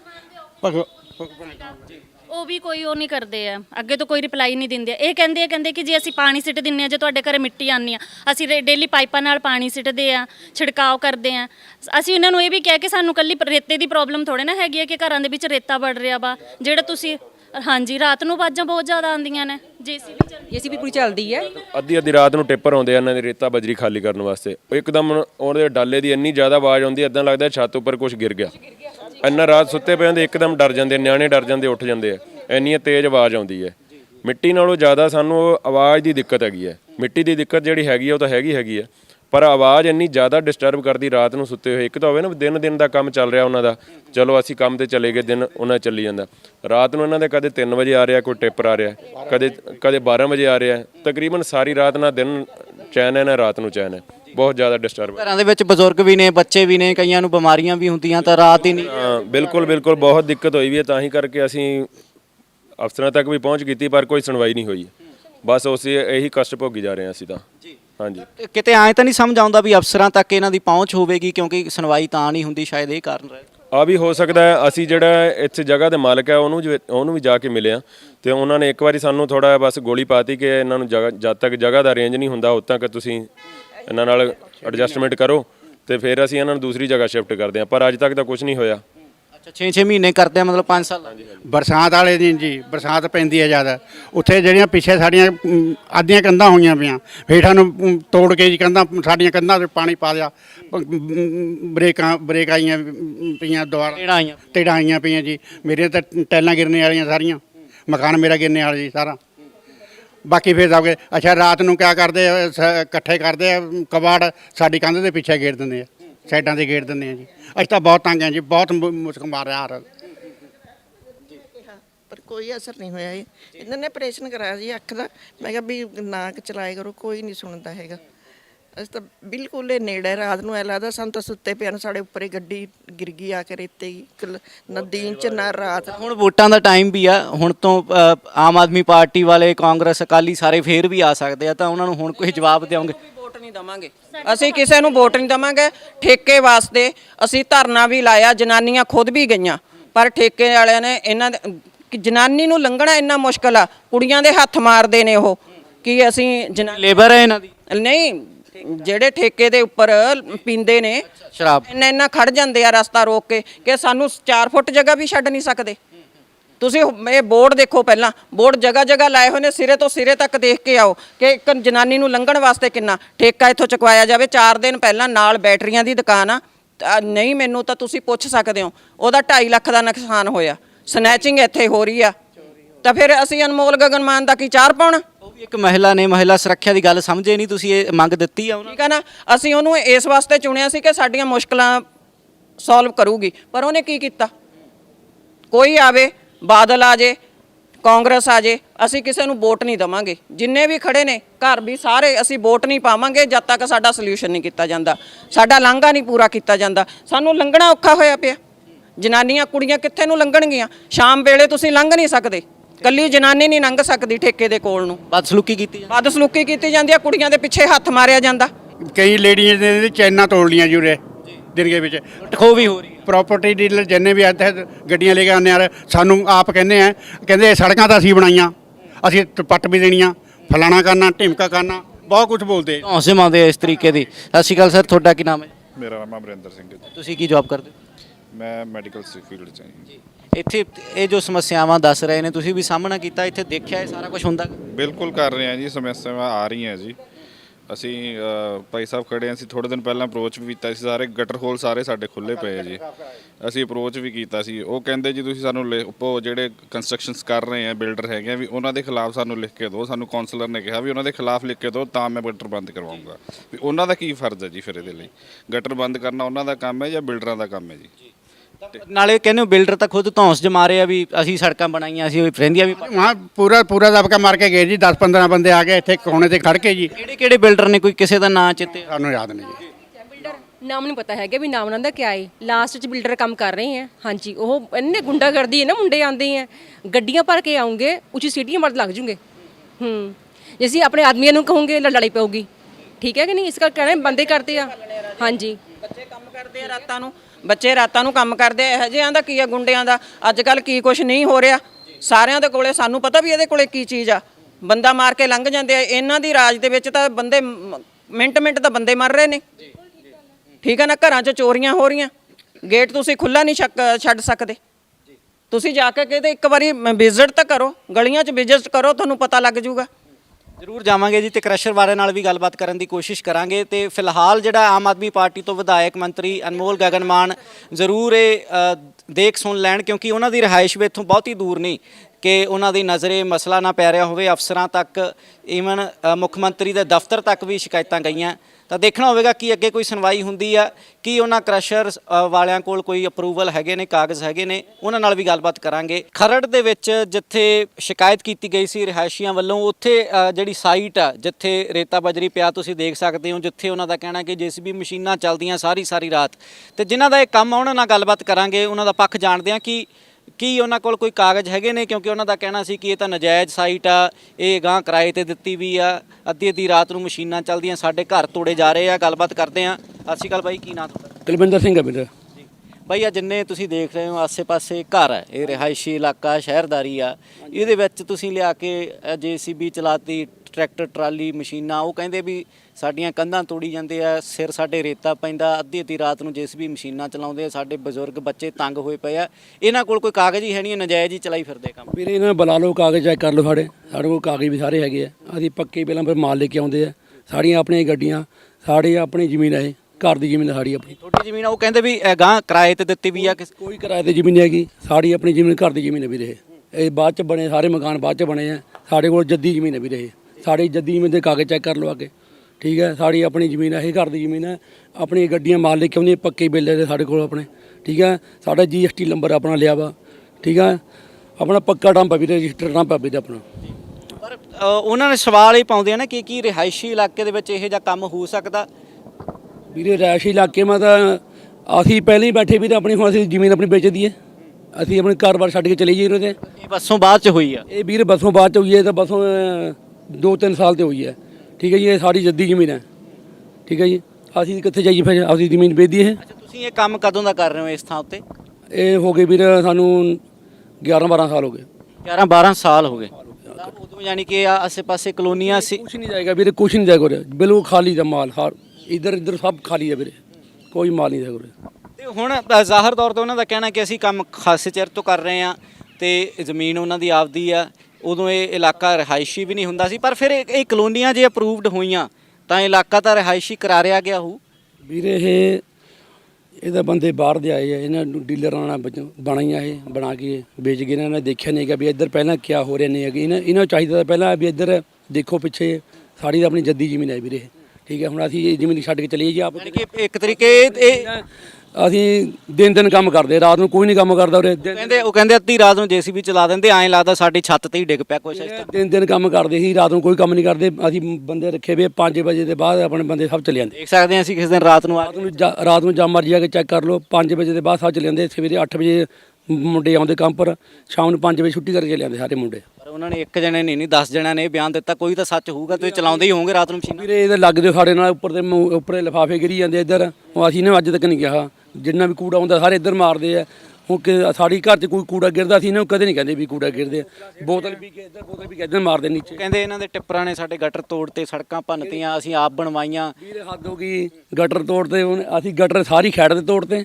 ਉਹ ਵੀ ਕੋਈ ਉਹ ਨਹੀਂ ਕਰਦੇ ਆ, ਅੱਗੇ ਤੋਂ ਕੋਈ ਰਿਪਲਾਈ ਨਹੀਂ ਦਿੰਦੇ। ਇਹ ਕਹਿੰਦੇ ਕਿ ਜੇ ਅਸੀਂ ਪਾਣੀ ਸਿੱਟ ਦਿੰਨੇ ਆ, ਜੇ ਤੁਹਾਡੇ ਘਰੇ ਮਿੱਟੀ ਆਉਂਦੀ ਆ, ਅਸੀਂ ਡੇਲੀ ਪਾਈਪਾਂ ਨਾਲ ਪਾਣੀ ਸਿੱਟਦੇ ਆ, ਛਿੜਕਾਅ ਕਰਦੇ ਆ। ਅਸੀਂ ਇਹਨਾਂ ਨੂੰ ਇਹ ਵੀ ਕਿਹਾ ਕਿ ਸਾਨੂੰ ਕੱਲੀ ਰੇਤੇ ਦੀ ਪ੍ਰੋਬਲਮ ਥੋੜੇ ਨਾ ਹੈਗੀ ਹੈ ਕਿ ਘਰਾਂ ਦੇ ਵਿੱਚ ਰੇਤਾ ਵੜ ਰਿਹਾ ਵਾ, ਜਿਹੜਾ ਤੁਸੀਂ ਹਾਂਜੀ ਰਾਤ ਨੂੰ ਆਵਾਜ਼ਾਂ ਬਹੁਤ ਜ਼ਿਆਦਾ ਆਉਂਦੀਆਂ ਨੇ। ਜੇਸੀਬੀ ਪੂਰੀ ਚੱਲਦੀ ਹੈ। ਅੱਧੀ ਰਾਤ ਨੂੰ ਟਿੱਪਰ ਆਉਂਦੇ ਆ ਇਹਨਾਂ ਦੀ ਰੇਤਾ ਬਜਰੀ ਖਾਲੀ ਕਰਨ ਵਾਸਤੇ। ਉਹ ਇੱਕਦਮ ਉਹਦੇ ਡਾਲੇ ਦੀ ਇੰਨੀ ਜ਼ਿਆਦਾ ਆਵਾਜ਼ ਆਉਂਦੀ, ਇਦਾਂ ਲੱਗਦਾ ਛੱਤ ਉੱਪਰ ਕੁਝ ਗਿਰ ਗਿਆ। ਇੰਨਾ ਰਾਤ ਸੁੱਤੇ ਪਏ ਹੁੰਦੇ, ਇੱਕਦਮ ਡਰ ਜਾਂਦੇ, ਨਿਆਣੇ ਡਰ ਜਾਂਦੇ, ਉੱਠ ਜਾਂਦੇ ਆ, ਇੰਨੀ ਤੇਜ਼ ਆਵਾਜ਼ ਆਉਂਦੀ ਹੈ। ਮਿੱਟੀ ਨਾਲੋਂ ਜ਼ਿਆਦਾ ਸਾਨੂੰ ਆਵਾਜ਼ ਦੀ ਦਿੱਕਤ ਹੈਗੀ ਹੈ। ਮਿੱਟੀ ਦੀ ਦਿੱਕਤ ਜਿਹੜੀ ਹੈਗੀ ਆ ਉਹ ਤਾਂ ਹੈਗੀ ਹੈ, ਪਰ ਆਵਾਜ਼ ਇੰਨੀ ਜ਼ਿਆਦਾ ਡਿਸਟਰਬ ਕਰਦੀ ਰਾਤ ਨੂੰ ਸੁੱਤੇ ਹੋਏ। ਇੱਕ ਤਾਂ ਹੋਵੇ ਨਾ ਦਿਨ ਦਾ ਕੰਮ ਚੱਲ ਰਿਹਾ ਉਹਨਾਂ ਦਾ, ਚਲੋ ਅਸੀਂ ਕੰਮ ਤੇ ਚਲੇ ਗਏ, ਦਿਨ ਉਹਨਾਂ ਚੱਲੀ ਜਾਂਦਾ। ਰਾਤ ਨੂੰ ਇਹਨਾਂ ਦੇ ਕਦੇ 3 ਵਜੇ ਆ ਰਿਹਾ, ਕੋਈ ਟਿੱਪਰ ਆ ਰਿਹਾ, ਕਦੇ 12 ਵਜੇ ਆ ਰਿਹਾ। ਤਕਰੀਬਨ ਸਾਰੀ ਰਾਤ ਨਾ ਦਿਨ ਚੈਨ ਹੈ ਨਾ ਰਾਤ ਨੂੰ ਚੈਨ ਹੈ, ਬਹੁਤ ਜ਼ਿਆਦਾ ਡਿਸਟਰਬ। ਘਰਾਂ ਦੇ ਵਿੱਚ ਬਜ਼ੁਰਗ ਵੀ ਨੇ, ਬੱਚੇ ਵੀ ਨੇ, ਕਈਆਂ ਨੂੰ ਬਿਮਾਰੀਆਂ ਵੀ ਹੁੰਦੀਆਂ, ਤਾਂ ਰਾਤ ਹੀ ਨਹੀਂ। ਹਾਂ ਬਿਲਕੁਲ ਬਹੁਤ ਦਿੱਕਤ ਹੋਈ ਵੀ ਹੈ। ਤਾਂ ਹੀ ਕਰਕੇ ਅਸੀਂ ਅਫਸਰਾਂ ਤੱਕ ਵੀ ਪਹੁੰਚ ਕੀਤੀ, ਪਰ ਕੋਈ ਸੁਣਵਾਈ ਨਹੀਂ ਹੋਈ। ਬਸ ਉਸੇ ਇਹੀ ਕਸ਼ਟ ਭੋਗੀ ਜਾ ਰਹੇ ਹਾਂ ਅਸੀਂ ਤਾਂ। ਹਾਂਜੀ, ਕਿਤੇ ਐਂ ਤਾਂ ਨਹੀਂ ਸਮਝ ਆਉਂਦਾ ਵੀ ਅਫਸਰਾਂ ਤੱਕ ਇਹਨਾਂ ਦੀ ਪਹੁੰਚ ਹੋਵੇਗੀ, ਕਿਉਂਕਿ ਸੁਣਵਾਈ ਤਾਂ ਨਹੀਂ ਹੁੰਦੀ, ਸ਼ਾਇਦ ਇਹ ਕਾਰਨ ਰਹੇ। ਆ ਵੀ ਹੋ ਸਕਦਾ ਹੈ। ਅਸੀਂ ਜਿਹੜਾ ਇੱਥੇ ਜਗ੍ਹਾ ਦੇ ਮਾਲਕ ਹੈ ਉਹਨੂੰ ਵੀ ਜਾ ਕੇ ਮਿਲਿਆ, ਤੇ ਉਹਨਾਂ ਨੇ ਇੱਕ ਵਾਰੀ ਸਾਨੂੰ ਥੋੜਾ ਬਸ ਗੋਲੀ ਪਾਤੀ ਕਿ ਇਹਨਾਂ ਨੂੰ ਜਦ ਤੱਕ ਜਗ੍ਹਾ ਦਾ ਅਰੇਂਜ ਨਹੀਂ ਹੁੰਦਾ ਉਦੋਂ ਤੱਕ ਤੁਸੀਂ ਇਹਨਾਂ ਨਾਲ ਐਡਜਸਟਮੈਂਟ ਕਰੋ, ਤੇ ਫਿਰ ਅਸੀਂ ਇਹਨਾਂ ਨੂੰ ਦੂਸਰੀ ਜਗ੍ਹਾ ਸ਼ਿਫਟ ਕਰਦੇ ਹਾਂ। ਪਰ ਅੱਜ ਤੱਕ ਤਾਂ ਕੁਝ ਨਹੀਂ ਹੋਇਆ। ਅੱਛਾ, 6 ਮਹੀਨੇ ਕਰਦੇ ਆ, ਮਤਲਬ 5 ਸਾਲ। ਬਰਸਾਤ ਵਾਲੇ ਦਿਨ ਜੀ ਬਰਸਾਤ ਪੈਂਦੀ ਹੈ ਜ਼ਿਆਦਾ, ਉੱਥੇ ਜਿਹੜੀਆਂ ਪਿੱਛੇ ਸਾਡੀਆਂ ਆਧੀਆਂ ਕੰਧਾਂ ਹੋਈਆਂ ਪਈਆਂ, ਹੇਠਾਂ ਨੂੰ ਤੋੜ ਕੇ ਜੀ ਕੰਧਾਂ, ਸਾਡੀਆਂ ਕੰਧਾਂ 'ਤੇ ਪਾਣੀ ਪਾ ਦਿਆ। ਬ੍ਰੇਕ ਆਈਆਂ ਪਈਆਂ, ਦੁਆਰਾ ਤੇੜਾਂ ਆਈਆਂ ਪਈਆਂ ਜੀ। ਮੇਰੀਆਂ ਤਾਂ ਟੈਲਾਂ ਗਿਰਨੇ ਵਾਲੀਆਂ ਸਾਰੀਆਂ, ਮਕਾਨ ਮੇਰਾ ਗਿਰਨੇ ਵਾਲਾ ਜੀ ਸਾਰਾ। ਬਾਕੀ ਫਿਰ ਸਭ ਅੱਛਾ ਰਾਤ ਨੂੰ ਕਿਆ ਕਰਦੇ ਇਕੱਠੇ ਕਰਦੇ ਆ ਕਬਾੜ, ਸਾਡੀ ਕੰਧ ਦੇ ਪਿੱਛੇ ਗੇੜ ਦਿੰਦੇ ਆ, ਸਾਈਡਾਂ 'ਤੇ ਗੇੜ ਦਿੰਦੇ ਆ ਜੀ। ਅਸੀਂ ਤਾਂ ਬਹੁਤ ਤੰਗ ਆ ਜੀ, ਬਹੁਤ ਮੁਸ਼ਕ ਮਾਰ ਰਿਹਾ ਹਾਰ। ਪਰ ਕੋਈ ਅਸਰ ਨਹੀਂ ਹੋਇਆ ਜੀ। ਇਹਨਾਂ ਨੇ ਆਪਰੇਸ਼ਨ ਕਰਾਇਆ ਜੀ ਅੱਖ ਦਾ, ਮੈਂ ਕਿਹਾ ਵੀ ਨਾਕ ਚਲਾਏ ਕਰੋ, ਕੋਈ ਨਹੀਂ ਸੁਣਦਾ ਹੈਗਾ। ਅਸੀਂ ਤਾਂ ਬਿਲਕੁਲ ਇਹ ਨੇੜੇ, ਰਾਤ ਨੂੰ ਐ ਲੱਗਦਾ ਸਾਨੂੰ ਤਾਂ ਸੁੱਤੇ ਪਿਆ ਨੂੰ ਸਾਡੇ ਉੱਪਰ ਹੀ ਗੱਡੀ ਗਿਰ ਗਈ ਆ ਕੇ ਰੇਤੇ ਦੀ, ਨਾ ਦਿਨ ਚ ਨਾ ਰਾਤ। ਹੁਣ ਵੋਟਾਂ ਦਾ ਟਾਈਮ ਵੀ ਆ, ਹੁਣ ਤੋਂ ਆਮ ਆਦਮੀ ਪਾਰਟੀ ਵਾਲੇ, ਕਾਂਗਰਸ, ਅਕਾਲੀ ਸਾਰੇ ਫੇਰ ਵੀ ਆ ਸਕਦੇ ਆ, ਤਾਂ ਉਹਨਾਂ ਨੂੰ ਹੁਣ ਕੋਈ ਜਵਾਬ ਦਿਓਗੇ? ਵੋਟ ਨਹੀਂ ਦਵਾਂਗੇ ਅਸੀਂ, ਕਿਸੇ ਨੂੰ ਵੋਟ ਨਹੀਂ ਦਵਾਂਗੇ। ਠੇਕੇ ਵਾਸਤੇ ਅਸੀਂ ਧਰਨਾ ਵੀ ਲਾਇਆ, ਜਨਾਨੀਆਂ ਖੁਦ ਵੀ ਗਈਆਂ, ਪਰ ਠੇਕੇ ਵਾਲਿਆਂ ਨੇ ਇਹਨਾਂ ਦੇ ਜਨਾਨੀ ਨੂੰ ਲੰਘਣਾ ਇੰਨਾ ਮੁਸ਼ਕਲ ਆ, ਕੁੜੀਆਂ ਦੇ ਹੱਥ ਮਾਰਦੇ ਨੇ ਉਹ ਕਿ ਅਸੀਂ ਲੇਬਰ ਹੈ ਇਹਨਾਂ ਦੀ ਨਹੀਂ, ਜਿਹੜੇ ਠੇਕੇ ਦੇ ਉੱਪਰ ਪੀਂਦੇ ਨੇ ਸ਼ਰਾਬ, ਇੰਨਾ ਖੜ ਜਾਂਦੇ ਆ ਰਸਤਾ ਰੋਕ ਕੇ ਕਿ ਸਾਨੂੰ 4 ਫੁੱਟ ਜਗ੍ਹਾ ਵੀ ਛੱਡ ਨਹੀਂ ਸਕਦੇ। ਤੁਸੀਂ ਇਹ ਬੋਰਡ ਦੇਖੋ, ਪਹਿਲਾਂ ਬੋਰਡ ਜਗ੍ਹਾ ਲਾਏ ਹੋਏ ਨੇ, ਸਿਰੇ ਤੋਂ ਸਿਰੇ ਤੱਕ ਦੇਖ ਕੇ ਆਓ ਕਿ ਇੱਕ ਜਨਾਨੀ ਨੂੰ ਲੰਘਣ ਵਾਸਤੇ ਕਿੰਨਾ ਠੇਕਾ ਇੱਥੋਂ ਚੁਕਵਾਇਆ ਜਾਵੇ। 4 ਦਿਨ ਪਹਿਲਾਂ ਨਾਲ ਬੈਟਰੀਆਂ ਦੀ ਦੁਕਾਨ ਆ, ਨਹੀਂ ਮੈਨੂੰ ਤਾਂ ਤੁਸੀਂ ਪੁੱਛ ਸਕਦੇ ਹੋ, ਉਹਦਾ 2.5 ਲੱਖ ਦਾ ਨੁਕਸਾਨ ਹੋਇਆ। ਸਨੈਚਿੰਗ ਇੱਥੇ ਹੋ ਰਹੀ ਆ, ਤਾਂ ਫਿਰ ਅਸੀਂ ਅਨਮੋਲ ਗਗਨਮਾਨ ਦਾ ਕੀ ਚਾਰ ਪਾਉਣਾ? ਉਹ ਵੀ ਇੱਕ ਮਹਿਲਾ ਨੇ, ਮਹਿਲਾ ਸੁਰੱਖਿਆ ਦੀ ਗੱਲ ਸਮਝੇ ਨਹੀਂ ਤੁਸੀਂ, ਇਹ ਮੰਗ ਦਿੱਤੀ ਆ ਉਹਨਾਂ? ਠੀਕ ਆ ਨਾ, ਅਸੀਂ ਉਹਨੂੰ ਇਸ ਵਾਸਤੇ ਚੁਣਿਆ ਸੀ ਕਿ ਸਾਡੀਆਂ ਮੁਸ਼ਕਲਾਂ ਸੋਲਵ ਕਰੂਗੀ, ਪਰ ਉਹਨੇ ਕੀ ਕੀਤਾ? ਕੋਈ ਆਵੇ, ਬਾਦਲ ਆ ਜੇ, ਕਾਂਗਰਸ ਆ ਜੇ, ਅਸੀਂ ਕਿਸੇ ਨੂੰ ਵੋਟ ਨਹੀਂ ਦਵਾਂਗੇ। ਜਿੰਨੇ ਵੀ ਖੜੇ ਨੇ ਘਰ ਵੀ ਸਾਰੇ, ਅਸੀਂ ਵੋਟ ਨਹੀਂ ਪਾਵਾਂਗੇ ਜਦ ਤੱਕ ਸਾਡਾ ਸੋਲੂਸ਼ਨ ਨਹੀਂ ਕੀਤਾ ਜਾਂਦਾ, ਸਾਡਾ ਲਾਂਘਾ ਨਹੀਂ ਪੂਰਾ ਕੀਤਾ ਜਾਂਦਾ। ਸਾਨੂੰ ਲੰਘਣਾ ਔਖਾ ਹੋਇਆ ਪਿਆ। ਜਨਾਨੀਆਂ ਕੁੜੀਆਂ ਕਿੱਥੇ ਨੂੰ ਲੰਘਣਗੀਆਂ? ਸ਼ਾਮ ਵੇਲੇ ਤੁਸੀਂ ਲੰਘ ਨਹੀਂ ਸਕਦੇ, ਕੱਲੀ ਜਨਾਨੀ ਨਹੀਂ ਲੰਘ ਸਕਦੀ ਠੇਕੇ ਦੇ ਕੋਲ ਨੂੰ। ਬਦਸਲੂਕੀ ਕੀਤੀ ਜਾਂਦੀ ਆ, ਕੁੜੀਆਂ ਦੇ ਪਿੱਛੇ ਹੱਥ ਮਾਰਿਆ ਜਾਂਦਾ। ਕਈ ਲੇਡੀਜ਼ ਨੇ ਚੈਨਾਂ ਤੋੜ ਲੀਆਂ ਜੀ ਉਰੇ ਦਿਨ ਵਿੱਚ, ਟਖੋ ਵੀ ਹੋ ਰਹੀ ਹੈ। ਪ੍ਰਾਪਰਟੀ ਡੀਲਰ ਜਿੰਨੇ ਵੀ ਇੱਥੇ ਗੱਡੀਆਂ ਲੈ ਕੇ ਆਉਂਦੇ ਆ, ਸਾਨੂੰ ਆਪ ਕਹਿੰਦੇ ਸੜਕਾਂ ਤਾਂ ਅਸੀਂ ਬਣਾਈਆਂ, ਅਸੀਂ ਪੱਟ ਵੀ ਦੇਣੀਆਂ, ਫਲਾਣਾ ਕਰਨਾ, ਢਿਮਕਾ ਕਰਨਾ, ਬਹੁਤ ਕੁਝ ਬੋਲਦੇ। ਹੌਸਲੇ ਮਾਉਂਦੇ ਇਸ ਤਰੀਕੇ ਦੀ। ਸਤਿ ਸ਼੍ਰੀ ਅਕਾਲ ਸਰ, ਤੁਹਾਡਾ ਕੀ ਨਾਮ ਹੈ? ਮੇਰਾ ਨਾਮ ਅਮਰਿੰਦਰ ਸਿੰਘ ਹੈ ਜੀ। ਤੁਸੀਂ ਕੀ ਜੌਬ ਕਰਦੇ ਹੋ? ਮੈਂ ਮੈਡੀਕਲ ਫੀਲਡ 'ਚ ਹਾਂ ਜੀ। ਇੱਥੇ ਇਹ ਜੋ ਸਮੱਸਿਆਵਾਂ ਦੱਸ ਰਹੇ ਨੇ, ਤੁਸੀਂ ਵੀ ਸਾਹਮਣਾ ਕੀਤਾ, ਇੱਥੇ ਦੇਖਿਆ ਇਹ ਸਾਰਾ ਕੁਝ ਹੁੰਦਾ? ਬਿਲਕੁਲ ਕਰ ਰਹੇ ਹਾਂ ਜੀ, ਸਮੱਸਿਆਵਾਂ ਆ ਰਹੀਆਂ ਜੀ। ਅਸੀਂ ਭਾਈ ਸਾਹਿਬ ਖੜੇ ਹਾਂ, ਅਸੀਂ ਥੋੜ੍ਹੇ ਦਿਨ ਪਹਿਲਾਂ ਅਪਰੋਚ ਵੀ ਕੀਤਾ ਸੀ, ਸਾਰੇ ਗਟਰ ਹੋਲ ਸਾਰੇ ਸਾਡੇ ਖੁੱਲ੍ਹੇ ਪਏ ਆ ਜੀ। ਅਸੀਂ ਅਪਰੋਚ ਵੀ ਕੀਤਾ ਸੀ, ਉਹ ਕਹਿੰਦੇ ਜੀ ਤੁਸੀਂ ਸਾਨੂੰ ਜਿਹੜੇ ਕੰਸਟਰਕਸ਼ਨਸ ਕਰ ਰਹੇ ਆ ਬਿਲਡਰ ਹੈਗੇ ਆ, ਵੀ ਉਹਨਾਂ ਦੇ ਖਿਲਾਫ ਸਾਨੂੰ ਲਿਖ ਕੇ ਦਿਓ। ਸਾਨੂੰ ਕਾਉਂਸਲਰ ਨੇ ਕਿਹਾ ਵੀ ਉਹਨਾਂ ਦੇ ਖਿਲਾਫ ਲਿਖ ਕੇ ਦਿਓ ਤਾਂ ਮੈਂ ਗਟਰ ਬੰਦ ਕਰਵਾਊਂਗਾ। ਵੀ ਉਹਨਾਂ ਦਾ ਕੀ ਫਰਜ਼ ਹੈ ਜੀ ਫਿਰ ਇਹਦੇ ਲਈ? ਗਟਰ ਬੰਦ ਕਰਨਾ ਉਹਨਾਂ ਦਾ ਕੰਮ ਹੈ ਜਾਂ ਬਿਲਡਰਾਂ ਦਾ ਕੰਮ ਹੈ ਜੀ? ਨਾਲੇ ਕਹਿੰਦੇ ਬਿਲਡਰ ਤਾਂ ਖੁਦ ਧੌਂਸ ਜਮਾ ਰਹੇ ਆ ਵੀ ਅਸੀਂ ਸੜਕਾਂ ਬਣਾਈਆਂ, ਅਸੀਂ ਰਹਿੰਦੀਆਂ ਵੀ। ਹਾਂ, ਪੂਰਾ ਦਬਕਾ ਮਾਰ ਕੇ ਗਏ ਜੀ। 10-15 ਬੰਦੇ ਆ ਗਏ ਇੱਥੇ ਕੋਨੇ ਤੇ ਖੜ ਕੇ ਜੀ। ਕਿਹੜੇ ਬਿਲਡਰ ਨੇ, ਕੋਈ ਕਿਸੇ ਦਾ ਨਾਂ ਚਿੱਤੇ? ਸਾਨੂੰ ਯਾਦ ਨਹੀਂ ਜੀ। ਬਿਲਡਰ ਨਾਮ ਨਹੀਂ ਪਤਾ ਹੈਗਾ ਵੀ ਨਾਮ ਉਹਨਾਂ ਦਾ ਕਿਆ ਹੈ। ਲਾਸਟ 'ਚ ਬਿਲਡਰ ਕੰਮ ਕਰ ਰਹੇ ਹੈ। ਹਾਂਜੀ, ਉਹ ਇੰਨੇ ਗੁੰਡਾਗਰਦੀ ਹੈ ਨਾ, ਮੁੰਡੇ ਆਉਂਦੇ ਹੈ, ਗੱਡੀਆਂ ਭਰ ਕੇ ਆਉਂਗੇ, ਉੱਚੀ ਸੀਟੀਆਂ ਮਰਦ ਲੱਗ ਜੂਗੇ। ਜੇ ਅਸੀਂ ਆਪਣੇ ਆਦਮੀਆਂ ਨੂੰ ਕਹੋਗੇ ਲੜਾਈ ਪਊਗੀ, ਠੀਕ ਹੈ ਕਿ ਨਹੀਂ? ਇਸ ਕਰਕੇ ਕਹਿੰਦੇ ਬੰਦੇ ਕਰਦੇ ਆ। ਹਾਂਜੀ, ਬੱਚੇ ਕੰਮ ਕਰਦੇ ਆ ਰਾਤਾਂ ਨੂੰ, ਬੱਚੇ ਰਾਤਾਂ ਨੂੰ ਕੰਮ ਕਰਦੇ ਆ। ਇਹੋ ਜਿਹਿਆਂ ਦਾ ਕੀ ਆ, ਗੁੰਡਿਆਂ ਦਾ ਅੱਜ ਕੱਲ ਕੀ ਕੁਝ ਨਹੀਂ ਹੋ ਰਿਹਾ ਸਾਰਿਆਂ ਦੇ ਕੋਲੇ। ਸਾਨੂੰ ਪਤਾ ਵੀ ਇਹਦੇ ਕੋਲੇ ਕੀ ਚੀਜ਼ ਆ, ਬੰਦਾ ਮਾਰ ਕੇ ਲੰਘ ਜਾਂਦੇ ਆ। ਇਹਨਾਂ ਦੀ ਰਾਜ ਦੇ ਵਿੱਚ ਤਾਂ ਬੰਦੇ ਮਿੰਟ ਮਿੰਟ ਤਾਂ ਬੰਦੇ ਮਰ ਰਹੇ ਨੇ, ਠੀਕ ਹੈ ਨਾ। ਘਰਾਂ 'ਚ ਚੋਰੀਆਂ ਹੋ ਰਹੀਆਂ, ਗੇਟ ਤੁਸੀਂ ਖੁੱਲ੍ਹਾ ਨਹੀਂ ਛੱਡ ਸਕਦੇ। ਤੁਸੀਂ ਜਾ ਕੇ ਕਿਤੇ ਇੱਕ ਵਾਰੀ ਵਿਜ਼ਿਟ ਤਾਂ ਕਰੋ, ਗਲੀਆਂ 'ਚ ਵਿਜ਼ਿਟ ਕਰੋ, ਤੁਹਾਨੂੰ ਪਤਾ ਲੱਗ ਜਾਊਗਾ। ਜ਼ਰੂਰ ਜਾਵਾਂਗੇ ਜੀ ਤੇ ਕ੍ਰਸ਼ਰ ਬਾਰੇ ਨਾਲ ਵੀ ਗੱਲਬਾਤ ਕਰਨ ਦੀ ਕੋਸ਼ਿਸ਼ ਕਰਾਂਗੇ। ਤੇ ਫਿਲਹਾਲ ਜਿਹੜਾ ਆਮ ਆਦਮੀ ਪਾਰਟੀ ਤੋਂ ਵਿਧਾਇਕ ਮੰਤਰੀ ਅਨਮੋਲ ਗਗਨ ਮਾਨ ਜ਼ਰੂਰ ਇਹ ਦੇਖ ਸੁਣ ਲੈਣ, ਕਿਉਂਕਿ ਉਹਨਾਂ ਦੀ ਰਿਹਾਇਸ਼ ਵੀ ਇੱਥੋਂ ਬਹੁਤੀ ਦੂਰ ਨਹੀਂ ਕਿ ਉਹਨਾਂ ਦੀ ਨਜ਼ਰੇ ਮਸਲਾ ਨਾ ਪੈ ਰਿਹਾ ਹੋਵੇ। ਅਫਸਰਾਂ ਤੱਕ, ਈਵਨ ਮੁੱਖ ਮੰਤਰੀ ਦੇ ਦਫ਼ਤਰ ਤੱਕ ਵੀ ਸ਼ਿਕਾਇਤਾਂ ਗਈਆਂ। ਤਾਂ ਦੇਖਣਾ ਹੋਵੇਗਾ ਕਿ ਅੱਗੇ ਕੋਈ ਸੁਣਵਾਈ ਹੁੰਦੀ ਆ, ਕੀ ਉਹਨਾਂ ਕ੍ਰਸ਼ਰ ਵਾਲਿਆਂ ਕੋਲ ਕੋਈ ਅਪਰੂਵਲ ਹੈਗੇ ਨੇ, ਕਾਗਜ਼ ਹੈਗੇ ਨੇ, ਉਹਨਾਂ ਨਾਲ ਵੀ ਗੱਲਬਾਤ ਕਰਾਂਗੇ। ਖਰੜ ਦੇ ਵਿੱਚ ਜਿੱਥੇ ਸ਼ਿਕਾਇਤ ਕੀਤੀ ਗਈ ਸੀ ਰਿਹਾਇਸ਼ੀਆਂ ਵੱਲੋਂ, ਉੱਥੇ ਜਿਹੜੀ ਸਾਈਟ ਆ ਜਿੱਥੇ ਰੇਤਾ ਬਜਰੀ ਪਿਆ ਤੁਸੀਂ ਦੇਖ ਸਕਦੇ ਹੋ, ਜਿੱਥੇ ਉਹਨਾਂ ਦਾ ਕਹਿਣਾ ਕਿ JCB ਮਸ਼ੀਨਾਂ ਚੱਲਦੀਆਂ ਸਾਰੀ ਰਾਤ, ਤੇ ਜਿਨ੍ਹਾਂ ਦਾ ਇਹ ਕੰਮ ਆ ਉਹਨਾਂ ਨਾਲ ਗੱਲਬਾਤ ਕਰਾਂਗੇ, ਉਹਨਾਂ ਦਾ ਪੱਖ ਜਾਣਦੇ ਹਾਂ ਕਿ ਕੀ ਉਹਨਾਂ ਕੋਲ ਕੋਈ ਕਾਗਜ਼ ਹੈਗੇ ਨੇ, ਕਿਉਂਕਿ ਉਹਨਾਂ ਦਾ ਕਹਿਣਾ ਸੀ ਕਿ ਇਹ ਤਾਂ ਨਜਾਇਜ਼ ਸਾਈਟ ਆ, ਇਹ ਗਾਂ ਕਿਰਾਏ ਤੇ ਦਿੱਤੀ ਵੀ ਆ, ਅੱਧੀ ਰਾਤ ਨੂੰ ਮਸ਼ੀਨਾਂ ਚੱਲਦੀਆਂ, ਸਾਡੇ ਘਰ ਤੋੜੇ ਜਾ ਰਹੇ ਆ। ਗੱਲਬਾਤ ਕਰਦੇ ਆ। ਸਤਿ ਸ਼੍ਰੀ ਅਕਾਲ ਬਾਈ, ਕੀ ਨਾਮ ਤੁਹਾਡਾ? ਕੁਲਵਿੰਦਰ ਸਿੰਘ ਹੈ ਵੀਰ। ਬਾਈ ਆ ਜਿੰਨੇ ਤੁਸੀਂ ਦੇਖ ਰਹੇ ਹੋ ਆਸੇ-ਪਾਸੇ ਘਰ ਹੈ, ਇਹ ਰਿਹਾਇਸ਼ੀ ਇਲਾਕਾ ਸ਼ਹਿਰਦਾਰੀ ਆ, ਇਹਦੇ ਵਿੱਚ ਤੁਸੀਂ ਲਿਆ ਕੇ JCB ਚਲਾਤੀ, ਟਰੈਕਟਰ ਟਰਾਲੀ ਮਸ਼ੀਨਾਂ, ਉਹ ਕਹਿੰਦੇ ਵੀ ਸਾਡੀਆਂ ਕੰਧਾਂ ਤੋੜੀ ਜਾਂਦੇ ਆ, ਸਿਰ ਸਾਡੇ ਰੇਤਾ ਪੈਂਦਾ, ਅੱਧੀ ਰਾਤ ਨੂੰ JCB ਮਸ਼ੀਨਾਂ ਚਲਾਉਂਦੇ ਆ, ਸਾਡੇ ਬਜ਼ੁਰਗ ਬੱਚੇ ਤੰਗ ਹੋਏ ਪਏ ਆ, ਇਹਨਾਂ ਕੋਲ ਕੋਈ ਕਾਗਜ਼ ਹੀ ਹੈ ਨਹੀਂ, ਨਜਾਇਜ਼ ਹੀ ਚਲਾਈ ਫਿਰਦੇ ਕੰਮ। ਵੀਰੇ ਇਹਨਾਂ ਨੂੰ ਬੁਲਾ ਲਓ, ਕਾਗਜ਼ ਚੈੱਕ ਕਰ ਲਓ। ਸਾਡੇ ਕੋਲ ਕਾਗਜ਼ ਵੀ ਸਾਰੇ ਹੈਗੇ ਆ। ਅਸੀਂ ਪੱਕੇ ਪਹਿਲਾਂ ਫਿਰ ਮਾਲ ਲੈ ਕੇ ਆਉਂਦੇ ਆ। ਸਾਡੀਆਂ ਆਪਣੀਆਂ ਗੱਡੀਆਂ, ਸਾਡੀ ਆਪਣੀ ਜ਼ਮੀਨ ਹੈ, ਘਰ ਦੀ ਜ਼ਮੀਨ ਸਾਡੀ ਆਪਣੀ। ਤੁਹਾਡੀ ਜ਼ਮੀਨ ਆ, ਉਹ ਕਹਿੰਦੇ ਵੀ ਗਾਂ ਕਿਰਾਏ ਤੇ ਦਿੱਤੀ ਵੀ ਆ। ਕੋਈ ਕਿਰਾਏ ਤੇ ਜ਼ਮੀਨ ਨਹੀਂ ਹੈਗੀ, ਸਾਡੀ ਆਪਣੀ ਜ਼ਮੀਨ, ਘਰ ਦੀ ਜ਼ਮੀਨ ਹੈ ਵੀਰੇ। ਇਹ ਬਾਅਦ 'ਚ ਬਣੇ, ਸਾਰੇ ਮਕਾਨ ਬਾਅਦ 'ਚ ਬਣੇ ਆ। ਸਾਡੇ ਕੋਲ ਜੱਦੀ ਜ਼ਮੀਨ ਹੈ ਵੀਰੇ। ਸਾਡੀ ਜੱਦੀ ਜ਼ਮੀਨ ਦੇ ਕਾਗਜ਼ ਚੈੱਕ ਕਰ ਲਓ ਆ ਕੇ, ਠੀਕ ਹੈ। ਸਾਡੀ ਆਪਣੀ ਜ਼ਮੀਨ ਹੈ, ਇਹ ਘਰ ਦੀ ਜ਼ਮੀਨ ਹੈ। ਆਪਣੀਆਂ ਗੱਡੀਆਂ ਮਾਲ ਲੈ ਕੇ ਆਉਂਦੀਆਂ, ਪੱਕੇ ਬਿੱਲ ਦੇ ਸਾਡੇ ਕੋਲ ਆਪਣੇ, ਠੀਕ ਹੈ। ਸਾਡਾ GST ਨੰਬਰ ਆਪਣਾ ਲਿਆ ਵਾ, ਠੀਕ ਹੈ। ਆਪਣਾ ਪੱਕਾ ਡੰਪ ਵੀਰੇ, ਰਜਿਸਟਰ ਡੰਪ ਵੀਰੇ ਆਪਣਾ। ਪਰ ਉਹਨਾਂ ਨੇ ਸਵਾਲ ਹੀ ਪਾਉਂਦੇ ਆ ਨਾ ਕਿ ਕੀ ਰਿਹਾਇਸ਼ੀ ਇਲਾਕੇ ਦੇ ਵਿੱਚ ਇਹੋ ਜਿਹਾ ਕੰਮ ਹੋ ਸਕਦਾ? ਵੀਰੇ ਰਿਹਾਇਸ਼ੀ ਇਲਾਕੇ ਮੈਂ ਤਾਂ ਅਸੀਂ ਪਹਿਲਾਂ ਹੀ ਬੈਠੇ ਵੀਰੇ, ਆਪਣੀ ਹੁਣ ਅਸੀਂ ਜ਼ਮੀਨ ਆਪਣੀ ਵੇਚ ਦਈਏ, ਅਸੀਂ ਆਪਣੇ ਘਰ-ਬਾਰ ਛੱਡ ਕੇ ਚਲੇ ਜਾਈਏ ਉਹਦੇ। ਇਹ ਬੱਸੋਂ ਬਾਅਦ 'ਚ ਹੋਈ ਆ? ਇਹ ਵੀਰੇ ਬੱਸੋਂ ਬਾਅਦ 'ਚ ਹੋਈ ਹੈ, ਤਾਂ ਬੱਸੋਂ 2-3 ਸਾਲ ਤੇ ਹੋਈ ਹੈ, ਠੀਕ ਹੈ ਜੀ। ਇਹ ਸਾਡੀ ਜੱਦੀ ਜ਼ਮੀਨ ਹੈ, ਠੀਕ ਹੈ ਜੀ। ਅਸੀਂ ਕਿੱਥੇ ਜਾਈਏ ਫਿਰ, ਆਪਣੀ ਜ਼ਮੀਨ ਵੇਚ ਦਈਏ। ਅੱਛਾ, ਤੁਸੀਂ ਇਹ ਕੰਮ ਕਦੋਂ ਦਾ ਕਰ ਰਹੇ ਹੋ ਇਸ ਥਾਂ ਉੱਤੇ? ਇਹ ਹੋ ਗਏ ਵੀਰੇ ਸਾਨੂੰ 11-12 ਸਾਲ ਹੋ ਗਏ। 11-12 ਸਾਲ ਹੋ ਗਏ। ਉਦੋਂ ਯਾਨੀ ਕਿ ਆਸੇ-ਪਾਸੇ ਕਲੋਨੀਆਂ ਸੀ? ਕੁਛ ਨਹੀਂ ਜਾਏਗਾ ਵੀਰੇ, ਕੁਛ ਨਹੀਂ ਜਾਏਗਾ ਉਰੇ, ਬਿਲਕੁਲ ਖਾਲੀ ਦਾ ਮਾਲ, ਇੱਧਰ ਸਭ ਖਾਲੀ ਹੈ ਵੀਰੇ, ਕੋਈ ਮਾਲ ਨਹੀਂ ਜਾਏਗਾ ਉਰੇ। ਤੇ ਹੁਣ ਜ਼ਾਹਰ ਤੌਰ ਤੇ ਉਹਨਾਂ ਦਾ ਕਹਿਣਾ ਕਿ ਅਸੀਂ ਕੰਮ ਖਾਸੇ ਚਿਰ ਤੋਂ ਕਰ ਰਹੇ ਹਾਂ ਤੇ ਜ਼ਮੀਨ ਉਹਨਾਂ ਦੀ ਆਪਦੀ ਆ, ਉਦੋਂ ਇਹ ਇਲਾਕਾ ਰਿਹਾਇਸ਼ੀ ਵੀ ਨਹੀਂ ਹੁੰਦਾ ਸੀ। ਪਰ ਫਿਰ ਇਹ ਕਲੋਨੀਆਂ ਜੇ ਅਪਰੂਵਡ ਹੋਈਆਂ ਤਾਂ ਇਲਾਕਾ ਤਾਂ ਰਿਹਾਇਸ਼ੀ ਕਰਾਰਿਆ ਗਿਆ ਹੋਊ ਵੀਰੇ। ਇਹਦਾ ਬੰਦੇ ਬਾਹਰ ਦੇ ਆਏ ਆ, ਇਹਨਾਂ ਨੂੰ ਡੀਲਰਾਂ ਨਾਲ ਬਣਾਈਆਂ, ਇਹ ਬਣਾ ਕੇ ਵੇਚ ਗਏ। ਇਹਨਾਂ ਨੇ ਦੇਖਿਆ ਨਹੀਂ ਕਿ ਵੀ ਇੱਧਰ ਪਹਿਲਾਂ ਕਿਆ ਹੋ ਰਿਹਾ ਨਹੀਂ ਹੈਗੀ। ਇਹਨਾਂ ਨੂੰ ਚਾਹੀਦਾ ਤਾਂ ਪਹਿਲਾਂ ਵੀ ਇੱਧਰ ਦੇਖੋ, ਪਿੱਛੇ ਸਾਡੀ ਤਾਂ ਆਪਣੀ ਜੱਦੀ ਜ਼ਮੀਨ ਹੈ ਵੀਰੇ, ਠੀਕ ਹੈ। ਹੁਣ ਅਸੀਂ ਇਹ ਜ਼ਮੀਨ ਛੱਡ ਕੇ ਚਲੀਏ ਜੀ ਆਪ। ਯਾਨੀ ਕਿ ਇੱਕ ਤਰੀਕੇ ਇਹ ਅਸੀਂ ਦਿਨ ਕੰਮ ਕਰਦੇ, ਰਾਤ ਨੂੰ ਕੋਈ ਨਹੀਂ ਕੰਮ ਕਰਦਾ ਉਰੇ। ਉਹ ਕਹਿੰਦੇ ਅੱਧੀ ਰਾਤ ਨੂੰ JCB ਚਲਾ ਦਿੰਦੇ, ਐਂ ਲੱਗਦਾ ਸਾਡੀ ਛੱਤ ਤੇ ਹੀ ਡਿੱਗ ਪਿਆ ਕੁਛ ਇਸ ਤਰ੍ਹਾਂ। ਦਿਨ ਕੰਮ ਕਰਦੇ ਸੀ, ਰਾਤ ਨੂੰ ਕੋਈ ਕੰਮ ਨਹੀਂ ਕਰਦੇ। ਅਸੀਂ ਬੰਦੇ ਰੱਖੇ ਵੇ 5 ਵਜੇ ਦੇ ਬਾਅਦ ਆਪਣੇ ਬੰਦੇ ਸਭ ਚਲੇ ਜਾਂਦੇ। ਦੇਖ ਸਕਦੇ ਹਾਂ ਅਸੀਂ ਕਿਸੇ ਦਿਨ ਰਾਤ ਨੂੰ ਰਾਤ ਨੂੰ ਜਾਂ ਮਰਜੀ ਆ ਕੇ ਚੈੱਕ ਕਰ ਲਓ, 5 ਵਜੇ ਦੇ ਬਾਅਦ ਸਭ ਚਲੇ ਜਾਂਦੇ। ਸਵੇਰੇ 8 ਵਜੇ ਮੁੰਡੇ ਆਉਂਦੇ ਕੰਮ ਪਰ, ਸ਼ਾਮ ਨੂੰ 5 ਵਜੇ ਛੁੱਟੀ ਕਰਕੇ ਚਲੇ ਜਾਂਦੇ ਸਾਰੇ ਮੁੰਡੇ। ਪਰ ਉਹਨਾਂ ਨੇ ਇੱਕ ਜਣੇ ਨਹੀਂ 10 ਜਣਿਆਂ ਨੇ ਇਹ ਬਿਆਨ ਦਿੱਤਾ, ਕੋਈ ਤਾਂ ਸੱਚ ਹੋਊਗਾ, ਤੁਸੀਂ ਚਲਾਉਂਦੇ ਹੀ ਹੋਵੋਗੇ ਰਾਤ ਨੂੰ ਮਸ਼ੀਨਾਂ। ਵੀਰੇ ਇਹਦੇ ਲੱਗਦੇ ਸਾਡੇ ਨਾਲ ਉੱਪਰ ਦੇ ਲਿਫਾਫੇ ਗਿਰੀ ਜਾਂਦੇ ਇੱਧਰ। ਅਸੀਂ ਨੇ ਅੱਜ ਤੱਕ ਨਹੀਂ ਕਿਹਾ, ਜਿੰਨਾ ਵੀ ਕੂੜਾ ਹੁੰਦਾ ਸਾਰੇ ਇੱਧਰ ਮਾਰਦੇ ਆ। ਹੁਣ ਸਾਡੀ ਘਰ 'ਚ ਕੋਈ ਕੂੜਾ ਗਿਰਦਾ ਸੀ, ਇਹਨਾਂ ਨੂੰ ਕਦੇ ਨਹੀਂ ਕਹਿੰਦੇ ਵੀ ਕੂੜਾ ਗਿਰਦੇ ਆ। ਬੋਤਲ ਵੀ ਕੇ ਇੱਧਰ ਮਾਰਦੇ ਨੀਚੇ। ਕਹਿੰਦੇ ਇਹਨਾਂ ਦੇ ਟਿੱਪਰਾਂ ਨੇ ਸਾਡੇ ਗਟਰ ਤੋੜਤੇ, ਸੜਕਾਂ ਭੰਨਤੀਆਂ, ਅਸੀਂ ਆਪ ਬਣਵਾਈਆਂ। ਵੀਰੇ ਹੱਦ ਹੋ ਗਈ, ਗਟਰ ਤੋੜਤੇ। ਹੁਣ ਅਸੀਂ ਗਟਰ ਸਾਰੀ ਖੈੜ ਦੇ ਤੋੜਤੇ,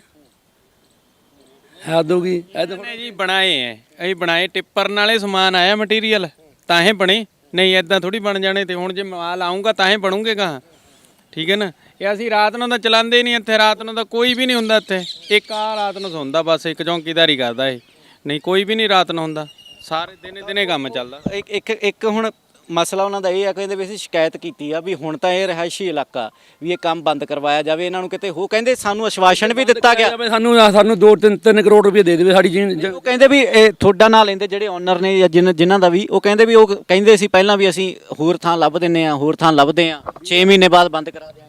ਹੱਦ ਹੋ ਗਈ। ਨੇ ਜੀ ਬਣਾਏ ਐ, ਅਸੀਂ ਬਣਾਏ, ਟਿੱਪਰ ਨਾਲੇ ਸਮਾਨ ਆਇਆ ਮਟੀਰੀਅਲ ਤਾਂ ਹੀ ਬਣੇ, ਨਹੀਂ ਐਦਾਂ ਥੋੜੀ ਬਣ ਜਾਣੇ। ਤੇ ਹੁਣ ਜੇ ਮਾਲ ਆਊਗਾ ਤਾਂ ਹੀ ਬਣੂਗੇ ਗਾਹਾਂ, ਠੀਕ ਹੈ ਨਾ। ਇਹ ਅਸੀਂ ਰਾਤ ਨੂੰ ਤਾਂ ਚਲਾਉਂਦੇ ਨਹੀਂ ਇੱਥੇ, ਰਾਤ ਨੂੰ ਤਾਂ ਕੋਈ ਵੀ ਨਹੀਂ ਹੁੰਦਾ ਇੱਥੇ। ਇੱਕ ਆ ਰਾਤ ਨੂੰ ਸੌਂਦਾ, ਬਸ ਇੱਕ ਚੌਂਕੀਦਾਰੀ ਕਰਦਾ ਇਹ, ਨਹੀਂ ਕੋਈ ਵੀ ਨਹੀਂ ਰਾਤ ਨੂੰ ਹੁੰਦਾ, ਸਾਰੇ ਦਿਨੇ ਕੰਮ ਚੱਲਦਾ। ਇੱਕ ਹੁਣ ਮਸਲਾ ਉਹਨਾਂ ਦਾ ਇਹ ਆ, ਕਹਿੰਦੇ ਵੀ ਅਸੀਂ ਸ਼ਿਕਾਇਤ ਕੀਤੀ ਆ ਵੀ ਹੁਣ ਤਾਂ ਇਹ ਰਿਹਾਇਸ਼ੀ ਇਲਾਕਾ ਵੀ ਇਹ ਕੰਮ ਬੰਦ ਕਰਵਾਇਆ ਜਾਵੇ, ਇਹਨਾਂ ਨੂੰ ਕਿਤੇ ਹੋ। ਕਹਿੰਦੇ ਸਾਨੂੰ ਆਸ਼ਵਾਸਨ ਵੀ ਦਿੱਤਾ ਗਿਆ, ਸਾਨੂੰ 2-3 ਕਰੋੜ ਰੁਪਏ ਦੇ ਦੇਵੇ ਸਾਡੀ ਜ਼ਮੀਨ। ਉਹ ਕਹਿੰਦੇ ਵੀ ਇਹ ਤੁਹਾਡਾ ਨਾਂ ਲੈਂਦੇ ਜਿਹੜੇ ਓਨਰ ਨੇ ਜਾਂ ਜਿਨ੍ਹਾਂ ਦਾ ਵੀ, ਉਹ ਕਹਿੰਦੇ ਵੀ, ਉਹ ਕਹਿੰਦੇ ਸੀ ਪਹਿਲਾਂ ਵੀ ਅਸੀਂ ਹੋਰ ਥਾਂ ਲੱਭ ਦਿੰਦੇ ਆ, ਹੋਰ ਥਾਂ ਲੱਭਦੇ ਆ, 6 ਮਹੀਨੇ ਬਾਅਦ ਬੰਦ ਕਰਾ ਦਿਆਂਗੇ।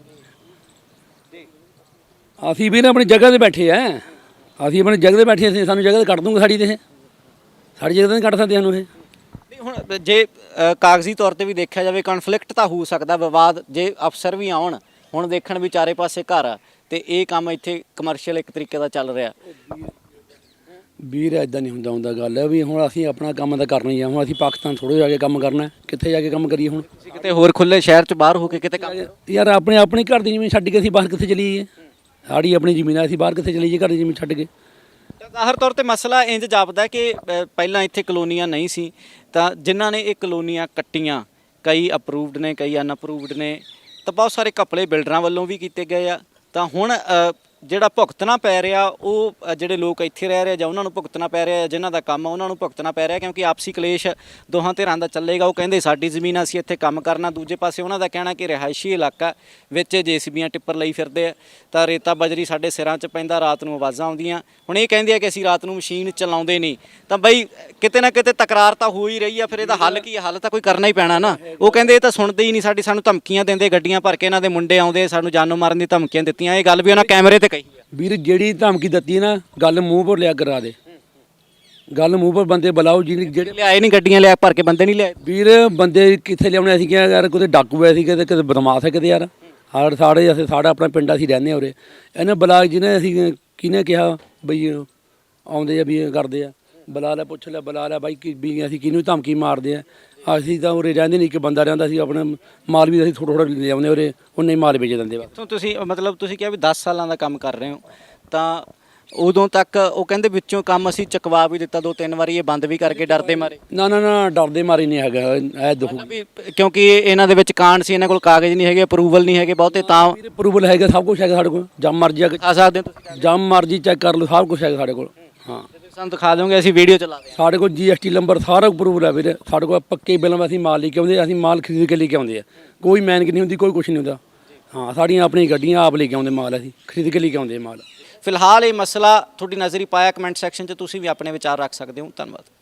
ਅਸੀਂ ਵੀ ਨਾ ਆਪਣੀ ਜਗ੍ਹਾ ਤੇ ਬੈਠੇ ਆ, ਅਸੀਂ ਆਪਣੀ ਜਗ੍ਹਾ ਤੇ ਬੈਠੇ, ਅਸੀਂ ਸਾਨੂੰ ਜਗ੍ਹਾ ਤੇ ਕੱਢ ਦੂੰਗੇ ਸਾਡੀ, ਤੇ ਸਾਡੀ ਜਗ੍ਹਾ ਤੇ ਨਹੀਂ ਕੱਢ ਸਕਦੇ ਸਾਨੂੰ ਇਹ। ਹੁਣ ਜੇ ਕਾਗਜ਼ੀ ਤੌਰ ਤੇ ਵੀ ਦੇਖਿਆ ਜਾਵੇ, ਕਨਫਲਿਕਟ ਤਾਂ ਹੋ ਸਕਦਾ, ਵਿਵਾਦ ਜੇ ਅਫਸਰ ਵੀ ਆਉਣ। ਹੁਣ ਦੇਖਣ ਵੀ ਚਾਰੇ ਪਾਸੇ ਘਰ ਆ, ਤੇ ਇਹ ਕੰਮ ਇੱਥੇ ਕਮਰਸ਼ੀਅਲ ਇੱਕ ਤਰੀਕੇ ਦਾ ਚੱਲ ਰਿਹਾ। ਵੀਰ ਇਦਾਂ ਨਹੀਂ ਹੁੰਦਾ ਗੱਲ ਹੈ ਵੀ ਹੁਣ ਅਸੀਂ ਆਪਣਾ ਕੰਮ ਤਾਂ ਕਰਨਾ ਹੀ ਆ। ਹੁਣ ਅਸੀਂ ਪਾਕਿਸਤਾਨ ਥੋੜ੍ਹੇ ਜਾ ਕੇ ਕੰਮ ਕਰਨਾ, ਕਿੱਥੇ ਜਾ ਕੇ ਕੰਮ ਕਰੀਏ ਹੁਣ? ਤੁਸੀਂ ਕਿਤੇ ਹੋਰ ਖੁੱਲੇ ਸ਼ਹਿਰ 'ਚ ਬਾਹਰ ਹੋ ਕੇ ਕਿਤੇ ਕੰਮ ਯਾਰ ਆਪਣੇ ਘਰ ਦੀ ਜ਼ਮੀਨ ਛੱਡ ਕੇ ਅਸੀਂ ਬਾਹਰ ਕਿੱਥੇ ਚਲੀਏ? ਸਾਡੀ ਆਪਣੀ ਜ਼ਮੀਨ ਆ, ਅਸੀਂ ਬਾਹਰ ਕਿੱਥੇ ਚਲੀਏ ਘਰ ਦੀ ਜ਼ਮੀਨ ਛੱਡ ਕੇ? ਤਾਂ ਜ਼ਾਹਰ ਤੌਰ ਤੇ ਮਸਲਾ ਇੰਜ ਜਾਪਦਾ ਕਿ ਪਹਿਲਾਂ ਇੱਥੇ ਕਲੋਨੀਆਂ ਨਹੀਂ ਸੀ, ਤਾਂ ਜਿਨ੍ਹਾਂ ਨੇ ਇਹ ਕਲੋਨੀਆਂ ਕੱਟੀਆਂ, ਕਈ ਅਪਰੂਵਡ ਨੇ, ਕਈ ਅਨਅਪਰੂਵਡ ਨੇ, ਤਾਂ ਬਹੁਤ ਸਾਰੇ ਘਪਲੇ ਬਿਲਡਰਾਂ ਵੱਲੋਂ ਵੀ ਕੀਤੇ ਗਏ ਆ। ਤਾਂ ਹੁਣ ਜਿਹੜਾ ਭੁਗਤਣਾ ਪੈ ਰਿਹਾ ਉਹ ਜਿਹੜੇ ਲੋਕ ਇੱਥੇ ਰਹਿ ਰਹੇ ਜਾਂ ਉਹਨਾਂ ਨੂੰ ਭੁਗਤਣਾ ਪੈ ਰਿਹਾ, ਜਿਨ੍ਹਾਂ ਦਾ ਕੰਮ ਆ ਉਹਨਾਂ ਨੂੰ ਭੁਗਤਣਾ ਪੈ ਰਿਹਾ, ਕਿਉਂਕਿ ਆਪਸੀ ਕਲੇਸ਼ ਦੋਹਾਂ ਧਿਰਾਂ ਦਾ ਚੱਲੇਗਾ। ਉਹ ਕਹਿੰਦੇ ਸਾਡੀ ਜ਼ਮੀਨ ਅਸੀਂ ਇੱਥੇ ਕੰਮ ਕਰਨਾ, ਦੂਜੇ ਪਾਸੇ ਉਹਨਾਂ ਦਾ ਕਹਿਣਾ ਕਿ ਰਿਹਾਇਸ਼ੀ ਇਲਾਕਾ ਵਿੱਚ ਜੇਸੀਬੀਆਂ ਟਿੱਪਰ ਲਈ ਫਿਰਦੇ ਆ, ਤਾਂ ਰੇਤਾ ਬਜਰੀ ਸਾਡੇ ਸਿਰਾਂ 'ਚ ਪੈਂਦਾ, ਰਾਤ ਨੂੰ ਆਵਾਜ਼ਾਂ ਆਉਂਦੀਆਂ। ਹੁਣ ਇਹ ਕਹਿੰਦੇ ਆ ਕਿ ਅਸੀਂ ਰਾਤ ਨੂੰ ਮਸ਼ੀਨ ਚਲਾਉਂਦੇ ਨਹੀਂ, ਤਾਂ ਬਈ ਕਿਤੇ ਨਾ ਕਿਤੇ ਤਕਰਾਰ ਤਾਂ ਹੋ ਹੀ ਰਹੀ ਆ। ਫਿਰ ਇਹਦਾ ਹੱਲ ਕੀ ਹੈ? ਹੱਲ ਤਾਂ ਕੋਈ ਕਰਨਾ ਹੀ ਪੈਣਾ ਨਾ। ਉਹ ਕਹਿੰਦੇ ਇਹ ਤਾਂ ਸੁਣਦੇ ਹੀ ਨਹੀਂ, ਸਾਨੂੰ ਧਮਕੀਆਂ ਦਿੰਦੇ, ਗੱਡੀਆਂ ਭਰ ਕੇ ਇਹਨਾਂ ਦੇ ਮੁੰਡੇ ਆਉਂਦੇ, ਸਾਨੂੰ ਜਾਨੋਂ ਮਾਰਨ ਦੀ ਧਮਕੀਆਂ ਦਿੱਤੀਆਂ। ਇਹ ਗੱਲ ਵੀ ਉਹਨਾਂ ਕੈਮਰੇ ਤੇ ਕਹੀ ਆ। ਵੀਰ ਜਿਹੜੀ ਧਮਕੀ ਦਿੱਤੀ ਨਾ, ਗੱਲ ਮੂੰਹ ਪਰ ਲਿਆ ਕਰਾ ਦੇ, ਗੱਲ ਮੂੰਹ ਪਰ ਬੰਦੇ ਬੁਲਾਓ ਜਿਹੜੇ ਲਿਆਏ ਨਹੀਂ, ਗੱਡੀਆਂ ਲਿਆ ਭਰ ਕੇ ਬੰਦੇ ਨਹੀਂ ਲਿਆਏ। ਵੀਰ ਬੰਦੇ ਕਿੱਥੇ ਲਿਆਉਣੇ? ਅਸੀਂ ਕਿਹਾ ਯਾਰ ਕਿਤੇ ਡਾਕੂ ਐ ਸੀ, ਕਿਤੇ ਬਦਮਾਸ਼ ਹੈ ਕਿਤੇ ਯਾਰ। ਸਾਡਾ ਆਪਣਾ ਪਿੰਡ ਅਸੀਂ ਰਹਿੰਦੇ ਹਾਂ ਉਰੇ। ਇਹਨੇ ਬੁਲਾ ਜਿਹਨੇ ਅਸੀਂ ਕਿਹਨੇ ਕਿਹਾ ਬਈ ਆਉਂਦੇ ਆ ਵੀ ਇਹ ਕਰਦੇ ਆ, ਬੁਲਾ ਲੈ, ਪੁੱਛ ਲੈ, ਬੁਲਾ ਲੈ ਬਾਈ ਵੀ ਅਸੀਂ ਕਿਹਨੂੰ ਧਮਕੀ ਮਾਰਦੇ ਆ? ਅਸੀਂ ਤਾਂ ਉਰੇ ਰਹਿੰਦੇ ਨਹੀਂ, ਇੱਕ ਬੰਦਾ ਰਹਿੰਦਾ ਸੀ, ਆਪਣਾ ਮਾਲ ਵੀ ਅਸੀਂ ਥੋੜ੍ਹਾ ਲਿਆਉਂਦੇ ਉਰੇ, ਉਹਨੇ ਹੀ ਮਾਲ ਵੇਚ ਦਿੰਦੇ ਬਸ। ਤੁਸੀਂ ਮਤਲਬ ਤੁਸੀਂ ਕਿਹਾ ਵੀ 10 ਸਾਲਾਂ ਦਾ ਕੰਮ ਕਰ ਰਹੇ ਹੋ, ਤਾਂ ਉਦੋਂ ਤੱਕ ਉਹ ਕਹਿੰਦੇ ਵਿੱਚੋਂ ਕੰਮ ਅਸੀਂ ਚੁਕਵਾ ਵੀ ਦਿੱਤਾ 2-3 ਵਾਰੀ, ਇਹ ਬੰਦ ਵੀ ਕਰਕੇ ਡਰਦੇ ਮਾਰੇ। ਨਾ ਡਰਦੇ ਮਾਰੇ ਨਹੀਂ ਹੈਗਾ ਇਹ ਦੁੱਖ, ਕਿਉਂਕਿ ਇਹਨਾਂ ਦੇ ਵਿੱਚ ਕਾਂਡ ਸੀ, ਇਹਨਾਂ ਕੋਲ ਕਾਗਜ਼ ਨਹੀਂ ਹੈਗੇ, ਅਪਰੂਵਲ ਨਹੀਂ ਹੈਗੇ ਬਹੁਤੇ, ਤਾਂ ਅਪਰੂਵਲ ਹੈਗਾ, ਸਭ ਕੁਝ ਹੈਗਾ ਸਾਡੇ ਕੋਲ, ਜਦ ਮਰਜ਼ੀ ਆ ਸਕਦੇ ਹੋ ਤੁਸੀਂ, ਜਦ ਮਰਜ਼ੀ ਚੈੱਕ ਕਰ ਲਓ, ਸਭ ਕੁਝ ਹੈਗਾ ਸਾਡੇ ਕੋਲ। ਹਾਂ ਸਾਨੂੰ ਦਿਖਾ ਦੋਗੇ, ਅਸੀਂ ਵੀਡੀਓ ਚਲਾ ਦੇ। ਸਾਡੇ ਕੋਲ GST ਨੰਬਰ ਸਾਰਾ ਅਪਰੂਵਲ ਹੈ ਵੀਰੇ, ਸਾਡੇ ਕੋਲ ਪੱਕੇ ਬਿੱਲ ਅਸੀਂ ਮਾਲ ਲੈ ਕੇ ਆਉਂਦੇ, ਅਸੀਂ ਮਾਲ ਖਰੀਦ ਕੇ ਲੈ ਕੇ ਆਉਂਦੇ ਆ, ਕੋਈ ਮੈਨਿੰਗ ਨਹੀਂ ਹੁੰਦੀ, ਕੋਈ ਕੁਝ ਨਹੀਂ ਹੁੰਦਾ। ਹਾਂ ਸਾਡੀਆਂ ਆਪਣੀਆਂ ਗੱਡੀਆਂ ਆਪ ਲੈ ਕੇ ਆਉਂਦੇ ਮਾਲ, ਅਸੀਂ ਖਰੀਦ ਕੇ ਲੈ ਕੇ ਆਉਂਦੇ ਮਾਲ। ਫਿਲਹਾਲ ਇਹ ਮਸਲਾ ਤੁਹਾਡੀ ਨਜ਼ਰੀ ਪਾਇਆ, ਕਮੈਂਟ ਸੈਕਸ਼ਨ 'ਚ ਤੁਸੀਂ ਵੀ ਆਪਣੇ ਵਿਚਾਰ ਰੱਖ ਸਕਦੇ ਹੋ। ਧੰਨਵਾਦ।